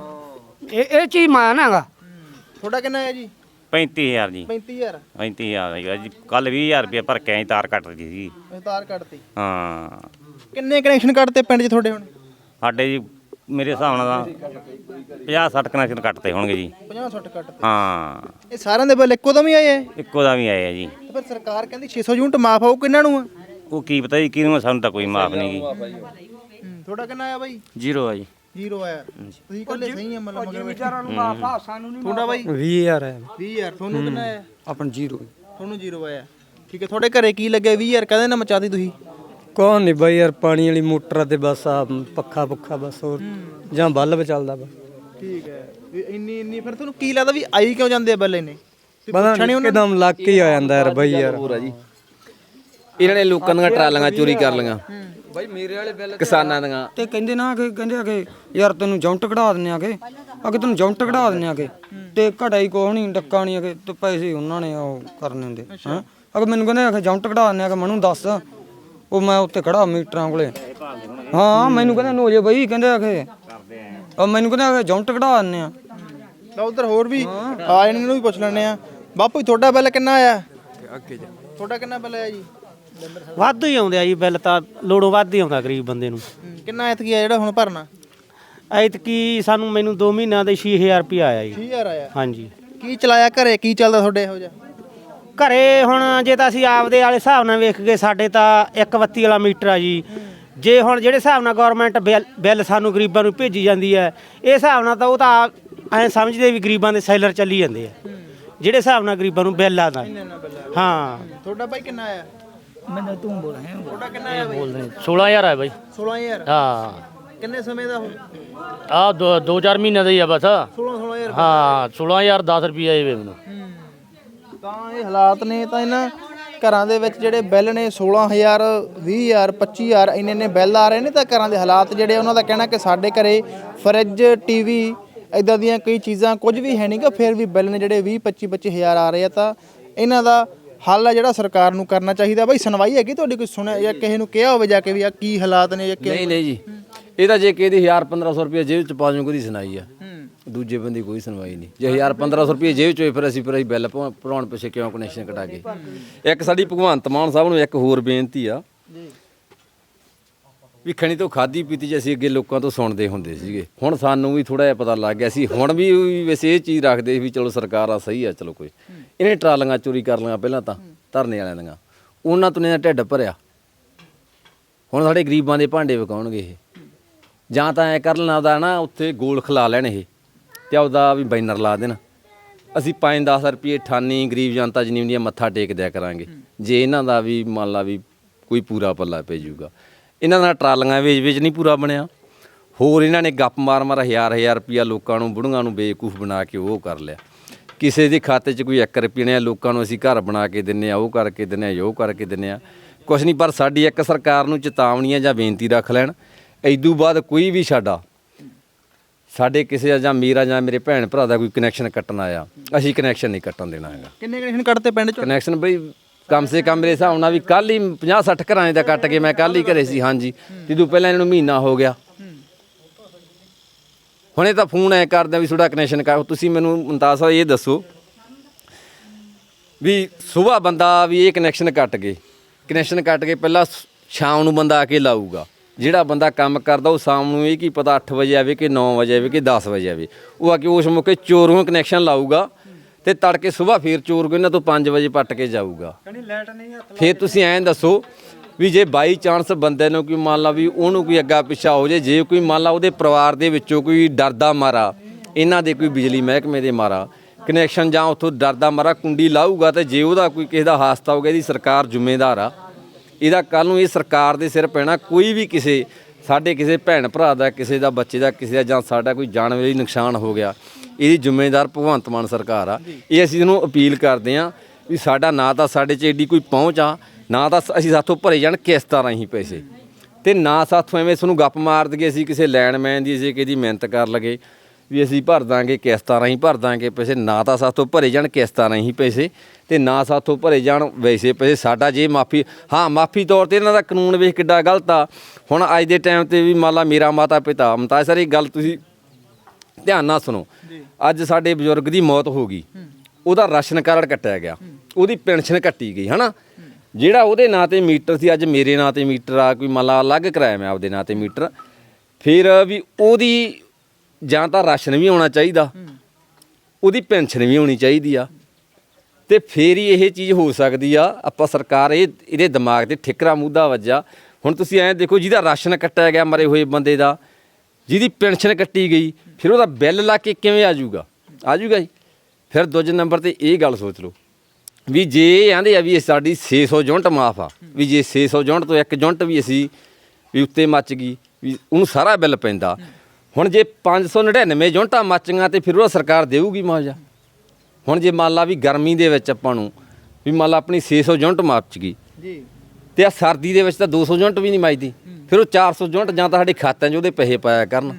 Speaker 4: ਇਹ ਚੀਜ਼ ਮਾਨ ਹੈਗਾ
Speaker 1: ਤੁਹਾਡਾ ਕਿੰਨਾ ਹੈ ਜੀ
Speaker 9: 35000 ਜੀ
Speaker 1: 35000
Speaker 9: 35000 ਜੀ ਕੱਲ 20000 ਰੁਪਏ ਭਰ ਕੇ ਆਈ ਤਾਰ ਕੱਟ ਰਹੀ ਸੀ
Speaker 1: ਤਾਰ ਕੱਟਤੀ
Speaker 9: ਹਾਂ
Speaker 1: ਕਿੰਨੇ ਕਨੈਕਸ਼ਨ ਕੱਟਤੇ ਪਿੰਡ 'ਚ ਤੁਹਾਡੇ ਹੁਣ
Speaker 9: ਸਾਡੇ ਜੀ ਮੇਰੇ ਹਿਸਾਬ ਨਾਲ ਤਾਂ 50-60 ਕਨੈਕਸ਼ਨ ਕੱਟਦੇ ਹੋਣਗੇ ਜੀ
Speaker 1: 50-60 ਕੱਟਤੇ
Speaker 9: ਹਾਂ
Speaker 1: ਇਹ ਸਾਰਿਆਂ ਦੇ ਬਿੱਲ ਇੱਕੋ ਦਮ ਹੀ ਆਏ ਆ
Speaker 9: ਇੱਕੋ ਦਾ ਵੀ ਆਏ ਆ ਜੀ
Speaker 1: ਤੇ ਫਿਰ ਸਰਕਾਰ ਕਹਿੰਦੀ 600 ਯੂਨਿਟ ਮਾਫ ਆਊ ਕਿੰਨਾਂ ਨੂੰ ਆ
Speaker 9: ਉਹ ਕੀ ਪਤਾ ਜੀ ਕਿਹਨੂੰ ਆ, ਸਾਨੂੰ ਤਾਂ ਕੋਈ ਮਾਫ ਨਹੀਂ ਗੀ
Speaker 1: ਤੁਹਾਡਾ ਕਿੰਨਾ ਆਇਆ ਬਾਈ
Speaker 9: 0 ਆ ਜੀ
Speaker 1: 0 ਆਇਆ ਤੁਸੀਂ ਕੱਲੇ ਸਹੀ ਆ ਮਤਲਬ ਮਗਰ
Speaker 4: ਵਿਚਾਰਾਂ ਨੂੰ ਮਾਫ ਆ ਸਾਨੂੰ ਨਹੀਂ
Speaker 1: ਤੁਹਾਡਾ ਬਾਈ
Speaker 6: 20000 ਹੈ
Speaker 1: 20000 ਤੁਹਾਨੂੰ ਕਿੰਨਾ ਆਇਆ
Speaker 6: ਆਪਣ 0
Speaker 1: ਤੁਹਾਨੂੰ 0 ਆਇਆ ਠੀਕ ਹੈ ਤੁਹਾਡੇ ਘਰੇ ਕੀ ਲੱਗਿਆ 20000 ਕਹਦੇ ਨਾ ਮਚਾਤੀ ਤੁਸੀਂ
Speaker 6: ਕੌਣ ਨਹੀਂ ਬਾਈ ਯਾਰ ਪਾਣੀ ਵਾਲੀ ਮੋਟਰ ਤੇ ਬਸ ਆ ਪੱਖਾ ਬਸ ਹੋਰ ਜਾਂ ਬਲਬ ਚੱਲਦਾ ਬਸ
Speaker 1: ਠੀਕ ਹੈ ਵੀ ਇੰਨੀ ਫਿਰ ਤੁਹਾਨੂੰ ਕੀ ਲੱਗਦਾ ਵੀ ਆਈ ਕਿਉਂ ਜਾਂਦੇ ਆ ਬਿੱਲ ਇੰਨੇ
Speaker 6: ਪਤਾ ਨਹੀਂ ਇੱਕਦਮ ਲੱਕ ਹੀ ਆ ਜਾਂਦਾ ਯਾਰ ਬਾਈ ਯਾਰ
Speaker 2: ਹੋਰ ਆ ਜੀ ਇਹਨਾਂ ਨੇ ਲੋਕਾਂ ਦੀਆਂ ਟਰਾਲੀਆਂ ਚੋਰੀ ਕਰ ਲਈਆਂ ਬਾਈ ਮੇਰੇ ਵਾਲੇ ਬਿੱਲ ਕਿਸਾਨਾਂ ਦੀਆਂ
Speaker 10: ਤੇ ਕਹਿੰਦੇ ਨਾ ਕਿ ਕਹਿੰਦੇ ਆ ਕਿ ਯਾਰ ਤੈਨੂੰ ਜੌਂਟ ਕਢਾ ਦਿੰਨੇ ਆਗੇ ਅਗੇ ਤੈਨੂੰ ਜੌਂਟ ਕਢਾ ਦਿੰਨੇ ਆਗੇ ਤੇ ਘੜਾਈ ਕੋਹ ਨਹੀਂ ਡੱਕਾ ਨਹੀਂ ਅਗੇ ਤੇ ਪੈਸੇ ਉਹਨਾਂ ਨੇ ਉਹ ਕਰਨੇ ਹੁੰਦੇ ਹਾਂ ਅਗੇ ਮੈਨੂੰ ਕਹਿੰਦੇ ਆ ਜੌਂਟ ਕਢਾ ਦਿੰਨੇ ਆਗੇ ਮੈਨੂੰ ਦੱਸ ਉਹ ਮੈਂ ਉੱਤੇ ਖੜਾ ਮੀਟਰਾਂ ਕੋਲੇ ਹਾਂ ਮੈਨੂੰ ਕਹਿੰਦੇ ਨੋ ਜੇ ਬਈ ਕਹਿੰਦੇ ਆ ਕਿ ਉਹ ਮੈਨੂੰ ਕਹਿੰਦੇ ਆ ਜੌਂਟ ਕਢਾ ਦਿੰਨੇ ਆ
Speaker 1: ਤਾਂ ਉਧਰ ਹੋਰ ਵੀ ਆ ਇਹਨਾਂ ਨੂੰ ਵੀ ਪੁੱਛ ਲੈਣੇ ਆ ਬਾਪੂ ਜੀ ਤੁਹਾਡਾ ਬਿੱਲ ਕਿੰਨਾ ਆਇਆ ਅੱਗੇ ਜਾ ਤੁਹਾਡਾ ਕਿੰਨਾ ਬਿੱਲ ਆਇਆ ਜੀ
Speaker 11: ਵਾਧੂ ਹੀ ਆਉਂਦੇ ਆ ਜੀ ਬਿੱਲ ਤਾਂ ਲੋੜੋਂ ਵੱਧ ਹੀ ਆਉਂਦਾ ਗਰੀਬ ਬੰਦੇ ਨੂੰ
Speaker 1: ਕਿੰਨਾ ਐਤਕੀ ਆ ਜਿਹੜਾ ਹੁਣ ਭਰਨਾ
Speaker 11: ਐਤਕੀ ਮੈਨੂੰ 2 ਮਹੀਨਿਆਂ ਦੇ 6000 ਰੁਪਇਆ ਆਇਆ ਜੀ
Speaker 1: 6000 ਆਇਆ
Speaker 11: ਹਾਂਜੀ
Speaker 1: ਕੀ ਚਲਾਇਆ ਘਰੇ ਕੀ ਚੱਲਦਾ ਤੁਹਾਡੇ ਇਹੋ ਜਿਹਾ
Speaker 11: ਘਰੇ ਹੁਣ ਜੇ ਤਾਂ ਅਸੀਂ ਆਪਦੇ ਵਾਲੇ ਹਿਸਾਬ ਨਾਲ ਵੇਖ ਗਏ ਸਾਡੇ ਤਾਂ ਇੱਕ ਬੱਤੀ ਵਾਲਾ ਮੀਟਰ ਆ ਜੀ ਜੇ ਹੁਣ ਜਿਹੜੇ ਹਿਸਾਬ ਨਾਲ ਗਵਰਨਮੈਂਟ ਬਿੱਲ ਸਾਨੂੰ ਗਰੀਬਾਂ ਨੂੰ ਭੇਜੀ ਜਾਂਦੀ ਹੈ ਇਹ ਹਿਸਾਬ ਨਾਲ ਤਾਂ ਉਹ ਤਾਂ ਐਂ ਸਮਝਦੇ ਵੀ ਗਰੀਬਾਂ ਦੇ ਸੈਲਰ ਚੱਲੀ ਜਾਂਦੇ ਆ ਜਿਹੜੇ ਹਿਸਾਬ ਨਾਲ ਗਰੀਬਾਂ ਨੂੰ ਬਿੱਲ ਆਦਾ ਹਾਂ
Speaker 1: ਤੁਹਾਡਾ ਬਾਈ ਕਿੰਨਾ ਆਇਆ
Speaker 10: ਮੈਨੂੰ ਤੂੰ ਬੋਲ ਹੈ
Speaker 1: ਤੁਹਾਡਾ ਕਿੰਨਾ ਆਇਆ ਬਾਈ
Speaker 11: 16000 ਹੈ ਬਾਈ
Speaker 1: 16000
Speaker 11: ਹਾਂ
Speaker 1: ਕਿੰਨੇ ਸਮੇਂ ਦਾ
Speaker 11: ਆ 2-4 ਮਹੀਨਿਆਂ ਦਾ ਹੀ ਆ ਬਸ
Speaker 1: 16000
Speaker 11: ਹਾਂ 16000 10 ਰੁਪਏ ਆਏ ਵੇ ਮੈਨੂੰ
Speaker 1: ਤਾਂ ਇਹ ਹਾਲਾਤ ਨੇ ਤਾਂ ਇਹਨਾਂ ਘਰਾਂ ਦੇ ਵਿੱਚ ਜਿਹੜੇ ਬਿੱਲ ਨੇ 16000 20000 25000 ਇੰਨੇ ਬਿੱਲ ਆ ਰਹੇ ਨੇ ਤਾਂ ਘਰਾਂ ਦੇ ਹਾਲਾਤ ਜਿਹੜੇ ਉਹਨਾਂ ਦਾ ਕਹਿਣਾ ਕਿ ਸਾਡੇ ਘਰੇ ਫਰਿੱਜ ਟੀਵੀ ਇਦਾਂ ਦੀਆਂ ਕਈ ਚੀਜ਼ਾਂ ਕੁਝ ਵੀ ਹੈ ਨਹੀਂਗਾ ਫਿਰ ਵੀ ਬਿੱਲ ਨੇ ਜਿਹੜੇ 20-25 ਆ ਰਹੇ ਆ ਤਾਂ ਇਹਨਾਂ ਦਾ ਹੱਲ ਆ ਜਿਹੜਾ ਸਰਕਾਰ ਨੂੰ ਕਰਨਾ ਚਾਹੀਦਾ ਬਾਈ ਸੁਣਵਾਈ ਹੈਗੀ ਤੁਹਾਡੀ ਕੋਈ ਸੁਣਿਆ ਜਾਂ ਕਿਸੇ ਨੂੰ ਕਿਹਾ ਹੋਵੇ ਜਾ ਕੇ ਵੀ ਆ ਕੀ ਹਾਲਾਤ ਨੇ ਜਾਂ
Speaker 2: ਨਹੀਂ ਜੀ ਇਹ ਤਾਂ ਜੇ ਕਿਸੇ ਦੀ 1000-1500 ਰੁਪਏ ਜੇਬ ਚ ਪਾ ਜੂ ਕੋਈ ਸੁਣਾਈ ਆ ਦੂਜੇ ਬੰਦੇ ਕੋਈ ਸੁਣਵਾਈ ਨਹੀਂ ਜੇ 1000-1500 ਰੁਪਏ ਜੇਬ ਚ ਹੋਏ ਫਿਰ ਅਸੀਂ ਬਿੱਲ ਭਰਾਉਣ ਪਿੱਛੇ ਕਿਉਂ ਕਨੈਕਸ਼ਨ ਕਟਾ ਕੇ ਇੱਕ ਸਾਡੀ ਭਗਵੰਤ ਮਾਨ ਸਾਹਿਬ ਨੂੰ ਇੱਕ ਹੋਰ ਬੇਨਤੀ ਆ ਵੀ ਖਣੀ ਤੋਂ ਖਾਦੀ ਪੀਤੀ ਜੇ ਅਸੀਂ ਅੱਗੇ ਲੋਕਾਂ ਤੋਂ ਸੁਣਦੇ ਹੁੰਦੇ ਸੀਗੇ ਹੁਣ ਸਾਨੂੰ ਵੀ ਥੋੜਾ ਜਿਹਾ ਪਤਾ ਲੱਗ ਗਿਆ ਸੀ ਹੁਣ ਵੀ ਵੈਸੇ ਇਹ ਚੀਜ਼ ਰੱਖਦੇ ਵੀ ਚਲੋ ਸਰਕਾਰ ਆ ਸਹੀ ਆ ਚਲੋ ਕੋਈ ਇਹਨੇ ਟਰਾਲੀਆਂ ਚੋਰੀ ਕਰ ਲਈਆਂ ਪਹਿਲਾਂ ਤਾਂ ਧਰਨੇ ਵਾਲਿਆਂ ਦੀਆਂ ਉਹਨਾਂ ਤੋਂ ਇਹਨਾਂ ਢਿੱਡ ਭਰਿਆ ਹੁਣ ਸਾਡੇ ਗਰੀਬਾਂ ਦੇ ਭਾਂਡੇ ਵਿਕਾਉਣਗੇ ਇਹ ਜਾਂ ਤਾਂ ਐ ਕਰ ਲੈਣਾ ਉਹਦਾ ਨਾ ਉੱਥੇ ਗੋਲ ਖਿਲਾ ਲੈਣ ਇਹ ਤੇ ਉਹਦਾ ਵੀ ਬੈਨਰ ਲਾ ਦੇਣ ਅਸੀਂ 5-10 ਰੁਪਏ ਠਾਨੀ ਗਰੀਬ ਜਨਤਾ ਜਿੰਨੀ ਹੁੰਦੀ ਆ ਮੱਥਾ ਟੇਕ ਦਿਆ ਕਰਾਂਗੇ ਜੇ ਇਹਨਾਂ ਦਾ ਵੀ ਮੰਨ ਲਾ ਵੀ ਕੋਈ ਪੂਰਾ ਪੱਲਾ ਪੈ ਜਾਊਗਾ ਇਹਨਾਂ ਦਾ ਟਰਾਲੀਆਂ ਵੇਚ ਨਹੀਂ ਪੂਰਾ ਬਣਿਆ ਹੋਰ ਇਹਨਾਂ ਨੇ ਗੱਪ ਮਾਰ 1000 ਰੁਪਿਆ ਲੋਕਾਂ ਨੂੰ ਬੁੜੀਆਂ ਨੂੰ ਬੇਵਕੂਫ ਬਣਾ ਕੇ ਉਹ ਕਰ ਲਿਆ ਕਿਸੇ ਦੇ ਖਾਤੇ 'ਚ ਕੋਈ 1 ਰੁਪਏ ਨੇ ਲੋਕਾਂ ਨੂੰ ਅਸੀਂ ਘਰ ਬਣਾ ਕੇ ਦਿੰਨੇ ਆ ਉਹ ਕਰਕੇ ਦਿੰਨੇ ਆ ਉਹ ਕਰਕੇ ਦਿੰਨੇ ਆ ਕੁਛ ਨਹੀਂ ਪਰ ਸਾਡੀ ਇੱਕ ਸਰਕਾਰ ਨੂੰ ਚੇਤਾਵਨੀ ਜਾਂ ਬੇਨਤੀ ਰੱਖ ਲੈਣ ਇਦੋਂ ਬਾਅਦ ਕੋਈ ਵੀ ਸਾਡੇ ਕਿਸੇ ਜਾਂ ਮੇਰਾ ਜਾਂ ਮੇਰੇ ਭੈਣ ਭਰਾ ਦਾ ਕੋਈ ਕਨੈਕਸ਼ਨ ਕੱਟਣ ਆਇਆ ਅਸੀਂ ਕਨੈਕਸ਼ਨ ਨਹੀਂ ਕੱਟਣ ਦੇਣਾ ਹੈਗਾ
Speaker 1: ਕਿੰਨੇ ਕਨੈਕਸ਼ਨ ਕੱਟਦੇ ਪਿੰਡ 'ਚ
Speaker 2: ਕਨੈਕਸ਼ਨ ਬਈ ਕਮ ਸੇ ਕਮ ਮੇਰੇ ਹਿਸਾਬ ਨਾਲ ਵੀ ਕੱਲ ਹੀ 50-60 ਘਰਾਂ ਦਾ ਕੱਟ ਕੇ ਮੈਂ ਕੱਲ ਹੀ ਘਰੇ ਸੀ ਹਾਂਜੀ ਜਦੋਂ ਪਹਿਲਾਂ ਇਹਨਾਂ ਨੂੰ ਮਹੀਨਾ ਹੋ ਗਿਆ ਹੁਣੇ ਤਾਂ ਫੋਨ ਐ ਕਰਦੇ ਵੀ ਤੁਹਾਡਾ ਕਨੈਕਸ਼ਨ ਕਰ ਤੁਸੀਂ ਮੈਨੂੰ ਮੁਮਤਾਜ਼ ਸਾਹਿਬ ਇਹ ਦੱਸੋ ਵੀ ਸਵੇਰ ਬੰਦਾ ਵੀ ਇਹ ਕਨੈਕਸ਼ਨ ਕੱਟ ਕੇ ਪਹਿਲਾਂ ਸ਼ਾਮ ਨੂੰ ਬੰਦਾ ਆ ਕੇ ਲਾਊਗਾ ਜਿਹੜਾ ਬੰਦਾ ਕੰਮ ਕਰਦਾ ਉਹ ਸ਼ਾਮ ਨੂੰ ਇਹ ਕੀ ਪਤਾ 8 ਵਜੇ ਆਵੇ ਕਿ 9 ਵਜੇ ਆਵੇ ਕਿ 10 ਵਜੇ ਆਵੇ, ਉਹ ਆ ਕੇ ਉਸ ਮੌਕੇ ਚੋਰੋਂ ਕਨੈਕਸ਼ਨ ਲਾਊਗਾ ਤੇ ਤੜਕੇ ਸਵੇਰ ਫੇਰ ਚੋਰ ਕੋ ਇਹਨਾਂ ਤੋਂ 5 ਵਜੇ ਪੱਟ ਕੇ ਜਾਊਗਾ। ਫੇਰ ਤੁਸੀਂ ਐਂ ਦੱਸੋ ਵੀ ਜੇ ਬਾਈ ਚਾਂਸ ਬੰਦੇ ਨੂੰ ਕੋਈ ਮੰਨ ਲਾ ਵੀ ਉਹਨੂੰ ਕੋਈ ਅੱਗਾ ਪਿੱਛਾ ਹੋ ਜੇ ਕੋਈ ਮੰਨ ਲਾ ਉਹਦੇ ਪਰਿਵਾਰ ਦੇ ਵਿੱਚੋਂ ਕੋਈ ਡਰਦਾ ਮਾਰਾ, ਇਹਨਾਂ ਦੇ ਕੋਈ ਬਿਜਲੀ ਮਹਿਕਮੇ ਦੇ ਮਾਰਾ ਕਨੈਕਸ਼ਨ ਜਾਂ ਉੱਥੋਂ ਡਰਦਾ ਮਾਰਾ ਕੁੰਡੀ ਲਾਊਗਾ, ਤੇ ਜੇ ਉਹਦਾ ਕੋਈ ਕਿਸੇ ਦਾ ਹਾਦਸਾ ਹੋ ਗਿਆ ਇਹਦੀ ਸਰਕਾਰ ਜ਼ਿੰਮੇਦਾਰ ਆ। ਇਹਦਾ ਕੱਲ ਨੂੰ ਇਹ ਸਰਕਾਰ ਦੇ ਸਿਰ ਪੈਣਾ। ਕੋਈ ਵੀ ਕਿਸੇ ਸਾਡੇ ਕਿਸੇ ਭੈਣ ਭਰਾ ਦਾ, ਕਿਸੇ ਦਾ ਬੱਚੇ ਦਾ, ਕਿਸੇ ਦਾ ਜਾਂ ਸਾਡਾ ਕੋਈ ਜਾਨਵਰੀ ਨੁਕਸਾਨ ਹੋ ਗਿਆ, ਇਹਦੀ ਜ਼ਿੰਮੇਦਾਰ ਭਗਵੰਤ ਮਾਨ ਸਰਕਾਰ ਆ। ਇਹ ਅਸੀਂ ਇਹਨੂੰ ਅਪੀਲ ਕਰਦੇ ਹਾਂ ਵੀ ਸਾਡਾ ਨਾ ਤਾਂ ਸਾਡੇ 'ਚ ਐਡੀ ਕੋਈ ਪਹੁੰਚ ਆ, ਨਾ ਤਾਂ ਅਸੀਂ ਸਾਥੋਂ ਭਰੇ ਜਾਣ ਕਿਸ਼ਤਾਂ ਰਾਹੀਂ ਪੈਸੇ, ਤੇ ਨਾ ਸਾਥੋਂ ਐਵੇਂ ਤੁਹਾਨੂੰ ਗੱਪ ਮਾਰ ਦਈਏ ਅਸੀਂ ਕਿਸੇ ਲੈਂਡਮੈਨ ਦੀ ਅਸੀਂ ਕਿਹਦੀ ਮਿਹਨਤ ਕਰ ਲਗੇ ਵੀ ਅਸੀਂ ਭਰ ਦਾਂਗੇ ਕਿਸ਼ਤਾਂ ਰਾਹੀਂ ਭਰ ਦਾਂਗੇ ਪੈਸੇ। ਨਾ ਤਾਂ ਸਾਥੋਂ ਭਰੇ ਜਾਣ ਕਿਸ਼ਤਾਂ ਰਾਹੀਂ ਪੈਸੇ, ਤੇ ਨਾ ਸਾਥੋਂ ਭਰੇ ਜਾਣ ਵੈਸੇ ਪੈਸੇ। ਸਾਡਾ ਜੇ ਮਾਫੀ, ਹਾਂ ਮਾਫੀ ਤੌਰ ਤੇ ਇਹਨਾਂ ਦਾ ਕਾਨੂੰਨ ਵੇਖ ਕਿੱਡਾ ਗਲਤ ਆ। ਹੁਣ ਅੱਜ ਦੇ ਟਾਈਮ ਤੇ ਵੀ ਮੰਨ ਲਾ ਮੇਰਾ ਮਾਤਾ ਪਿਤਾ ਮੁਮਤਾਜ਼ ਸਰ, ਇਹ ਗੱਲ ਤੁਸੀਂ ਧਿਆਨ ਨਾਲ ਸੁਣੋ। ਅੱਜ ਸਾਡੇ ਬਜ਼ੁਰਗ ਦੀ ਮੌਤ ਹੋ ਗਈ, ਉਹਦਾ ਰਾਸ਼ਨ ਕਾਰਡ ਕੱਟਿਆ ਗਿਆ, ਉਹਦੀ ਪੈਨਸ਼ਨ ਕੱਟੀ ਗਈ, ਹਨਾ। ਜਿਹੜਾ ਉਹਦੇ ਨਾਂ ਤੇ ਮੀਟਰ ਸੀ ਅੱਜ ਮੇਰੇ ਨਾਂ ਤੇ ਮੀਟਰ ਆ, ਕੋਈ ਮੰਨ ਲਾ ਅਲੱਗ ਕਰਾਇਆ ਮੈਂ ਆਪਦੇ ਨਾਂ ਤੇ ਮੀਟਰ, ਫਿਰ ਵੀ ਉਹਦੀ ਜਾਂ ਤਾਂ ਰਾਸ਼ਨ ਵੀ ਆਉਣਾ ਚਾਹੀਦਾ, ਉਹਦੀ ਪੈਨਸ਼ਨ ਵੀ ਹੋਣੀ ਚਾਹੀਦੀ ਆ, ਤੇ ਫੇਰ ਹੀ ਇਹ ਚੀਜ਼ ਹੋ ਸਕਦੀ ਆ। ਆਪਾਂ ਸਰਕਾਰ ਇਹਦੇ ਦਿਮਾਗ ਤੇ ਠਿਕਰਾ ਮੁੱਦਾ ਵੱਜਾ। ਹੁਣ ਤੁਸੀਂ ਐਂ ਦੇਖੋ, ਜਿਹਦਾ ਰਾਸ਼ਨ ਕੱਟਿਆ ਗਿਆ ਮਰੇ ਹੋਏ ਬੰਦੇ ਦਾ, ਜਿਹਦੀ ਪੈਨਸ਼ਨ ਕੱਟੀ ਗਈ, ਫਿਰ ਉਹਦਾ ਬਿੱਲ ਲਾ ਕੇ ਕਿਵੇਂ ਆ ਜਾਊਗਾ ਜੀ। ਫਿਰ ਦੂਜੇ ਨੰਬਰ ਤੇ ਇਹ ਗੱਲ ਸੋਚ ਲਓ ਵੀ ਜੇ ਆਂਦੇ ਆ ਵੀ ਸਾਡੀ 600 ਯੂਨਿਟ ਮਾਫ ਆ, ਵੀ ਜੇ 600 ਯੂਨਿਟ ਤੋਂ 1 ਯੂਨਿਟ ਵੀ ਅਸੀਂ ਵੀ ਉੱਤੇ ਮੱਚ ਗਈ ਵੀ ਉਹਨੂੰ ਸਾਰਾ ਬਿੱਲ ਪੈਂਦਾ। ਹੁਣ ਜੇ 599 ਯੂਨਿਟਾਂ ਮੱਚੀਆਂ ਤੇ ਫਿਰ ਉਹ ਸਰਕਾਰ ਦੇਊਗੀ ਮੁਆਵਜ਼ਾ। ਹੁਣ ਜੇ ਮੰਨ ਲਾ ਵੀ ਗਰਮੀ ਦੇ ਵਿੱਚ ਆਪਾਂ ਨੂੰ ਵੀ ਮੰਨ ਲਾ ਆਪਣੀ 600 ਯੂਨਿਟ ਮੱਚ ਗਈ ਜੀ, ਤੇ ਆ ਸਰਦੀ ਦੇ ਵਿੱਚ ਤਾਂ 200 ਯੂਨਿਟ ਵੀ ਨਹੀਂ ਮੱਚਦੀ, ਫਿਰ ਉਹ 400 ਯੂਨਿਟ ਜਾਂ ਤਾਂ ਸਾਡੇ ਖਾਤਿਆਂ 'ਚ ਉਹਦੇ ਪੈਸੇ ਪਾਇਆ ਕਰਨ,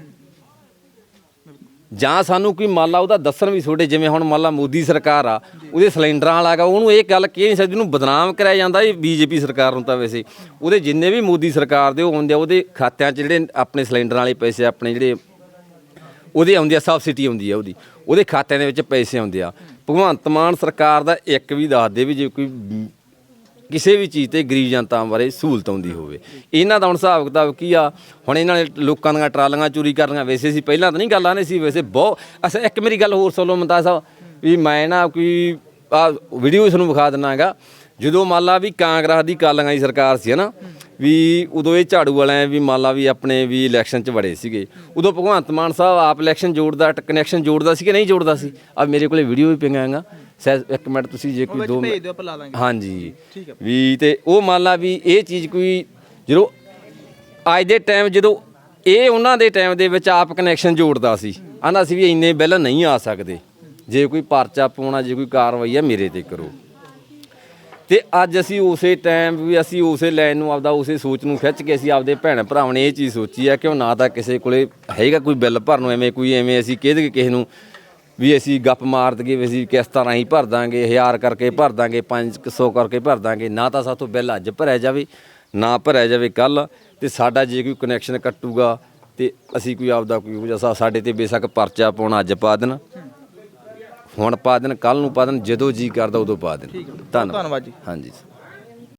Speaker 2: ਜਾਂ ਸਾਨੂੰ ਕੋਈ ਮੰਨ ਲਾ ਉਹਦਾ ਦੱਸਣ ਵੀ ਛੋਟੇ। ਜਿਵੇਂ ਹੁਣ ਮੰਨ ਲਾ ਮੋਦੀ ਸਰਕਾਰ ਆ, ਉਹਦੇ ਸਿਲੰਡਰਾਂ ਵਾਲਾ ਗਾ, ਉਹਨੂੰ ਇਹ ਗੱਲ ਕਹਿ ਨਹੀਂ ਸਕਦੀ, ਉਹਨੂੰ ਬਦਨਾਮ ਕਰਿਆ ਜਾਂਦਾ। ਇਹ ਬੀਜੇਪੀ ਸਰਕਾਰ ਨੂੰ ਤਾਂ ਵੈਸੇ ਉਹਦੇ ਜਿੰਨੇ ਵੀ ਮੋਦੀ ਸਰਕਾਰ ਦੇ ਉਹ ਆਉਂਦੇ ਆ, ਉਹਦੇ ਖਾਤਿਆਂ 'ਚ ਜਿਹੜੇ ਆਪਣੇ ਸਿਲੰਡਰਾਂ ਵਾਲੇ ਪੈਸੇ ਆਪਣੇ ਜਿਹੜੇ ਉਹਦੇ ਆਉਂਦੇ ਆ, ਸਬਸਿਡੀ ਆਉਂਦੀ ਆ ਉਹਦੇ ਖਾਤਿਆਂ ਦੇ ਵਿੱਚ ਪੈਸੇ ਆਉਂਦੇ ਆ। ਭਗਵੰਤ ਮਾਨ ਸਰਕਾਰ ਦਾ ਇੱਕ ਵੀ ਦੱਸ ਦੇ ਵੀ ਜੇ ਕੋਈ ਕਿਸੇ ਵੀ ਚੀਜ਼ ਤੇ ਗਰੀਬ ਜਨਤਾ ਬਾਰੇ ਸਹੂਲਤ ਆਉਂਦੀ ਹੋਵੇ। ਇਹਨਾਂ ਦਾ ਹੁਣ ਹਿਸਾਬ ਕਿਤਾਬ ਕੀ ਆ? ਹੁਣ ਇਹਨਾਂ ਨੇ ਲੋਕਾਂ ਦੀਆਂ ਟਰਾਲੀਆਂ ਚੋਰੀ ਕਰਨੀਆਂ, ਵੈਸੇ ਸੀ ਪਹਿਲਾਂ ਤਾਂ ਨਹੀਂ ਗੱਲ ਆਉਂਦੀ ਸੀ, ਵੈਸੇ ਬਹੁਤ ਅੱਛਾ। ਇੱਕ ਮੇਰੀ ਗੱਲ ਹੋਰ ਸੁਣ ਲਓ ਮੁਮਤਾਜ਼ ਸਾਹਿਬ, ਵੀ ਮੈਂ ਨਾ ਕੋਈ ਆ ਵੀਡੀਓ ਤੁਹਾਨੂੰ ਵਿਖਾ ਦਿੰਦਾ ਹੈਗਾ। ਜਦੋਂ ਮੰਨ ਲਾ ਵੀ ਕਾਂਗਰਸ ਦੀ ਕਾਲੀਆਂ ਦੀ ਸਰਕਾਰ ਸੀ ਨਾ, ਵੀ ਉਦੋਂ ਇਹ ਝਾੜੂ ਵਾਲਿਆਂ ਵੀ ਮੰਨ ਲਾ ਵੀ ਆਪਣੇ ਵੀ ਇਲੈਕਸ਼ਨ 'ਚ ਵੜੇ ਸੀਗੇ, ਉਦੋਂ ਭਗਵੰਤ ਮਾਨ ਸਾਹਿਬ ਆਪ ਇਲੈਕਸ਼ਨ ਜੋੜਦਾ, ਕਨੈਕਸ਼ਨ ਜੋੜਦਾ ਸੀ ਕਿ ਨਹੀਂ ਜੋੜਦਾ ਸੀ? ਆ ਮੇਰੇ ਕੋਲੇ ਵੀਡੀਓ ਵੀ ਪਈਆਂ ਹੈਗਾ, ਇੱਕ ਮਿੰਟ ਤੁਸੀਂ ਜੇ ਕੋਈ 2 ਮਿੰਟ ਹਾਂਜੀ ਵੀ, ਤੇ ਉਹ ਮੰਨ ਲਾ ਵੀ ਇਹ ਚੀਜ਼ ਕੋਈ ਜਦੋਂ ਅੱਜ ਦੇ ਟਾਈਮ ਜਦੋਂ ਇਹ ਉਹਨਾਂ ਦੇ ਟਾਈਮ ਦੇ ਵਿੱਚ ਆਪ ਕਨੈਕਸ਼ਨ ਜੋੜਦਾ ਸੀ, ਆਂਦਾ ਸੀ ਵੀ ਇੰਨੇ ਬਿੱਲ ਨਹੀਂ ਆ ਸਕਦੇ, ਜੇ ਕੋਈ ਪਰਚਾ ਪਾਉਣਾ, ਜੇ ਕੋਈ ਕਾਰਵਾਈ ਆ ਮੇਰੇ ਤੇ ਕਰੋ। ਤੇ ਅੱਜ ਅਸੀਂ ਉਸੇ ਟਾਈਮ ਵੀ ਅਸੀਂ ਉਸੇ ਲਾਈਨ ਨੂੰ ਆਪਦਾ ਉਸੇ ਸੋਚ ਨੂੰ ਖਿੱਚ ਕੇ ਅਸੀਂ ਆਪਦੇ ਭੈਣ ਭਰਾਵਾਂ ਨੇ ਇਹ ਚੀਜ਼ ਸੋਚੀ ਆ ਕਿ ਉਹ ਨਾ ਤਾਂ ਕਿਸੇ ਕੋਲੇ ਹੈਗਾ ਕੋਈ ਬਿੱਲ ਭਰਨ ਨੂੰ, ਐਵੇਂ ਅਸੀਂ ਕਹਿ ਦਈਏ ਕਿਸੇ ਨੂੰ ਵੀ ਅਸੀਂ ਗੱਪ ਮਾਰ ਦਈਏ ਵੀ ਅਸੀਂ ਕਿਸ਼ਤਾਂ ਰਾਹੀਂ ਭਰ ਦਾਂਗੇ, 1000 ਕਰਕੇ ਭਰ ਦਾਂਗੇ, 500 ਕਰਕੇ ਭਰ ਦਾਂਗੇ। ਨਾ ਤਾਂ ਸਾਥੋਂ ਬਿੱਲ ਅੱਜ ਭਰਿਆ ਜਾਵੇ, ਨਾ ਭਰਿਆ ਜਾਵੇ ਕੱਲ੍ਹ, ਤੇ ਸਾਡਾ ਜੇ ਕੋਈ ਕਨੈਕਸ਼ਨ ਕੱਟੂਗਾ ਤੇ ਅਸੀਂ ਕੋਈ ਆਪਦਾ ਕੋਈ ਸਾਡੇ ਤੇ ਬੇਸ਼ੱਕ ਪਰਚਾ ਪਾਉਣਾ ਅੱਜ ਪਾ ਦੇਣ, ਹੁਣ ਪਾ ਦੇਣ, ਕੱਲ੍ਹ ਨੂੰ ਪਾ ਦੇਣ, ਜਦੋਂ ਜੀ ਕਰਦਾ ਉਦੋਂ ਪਾ ਦੇਣ। ਧੰਨਵਾਦ ਜੀ। ਹਾਂਜੀ।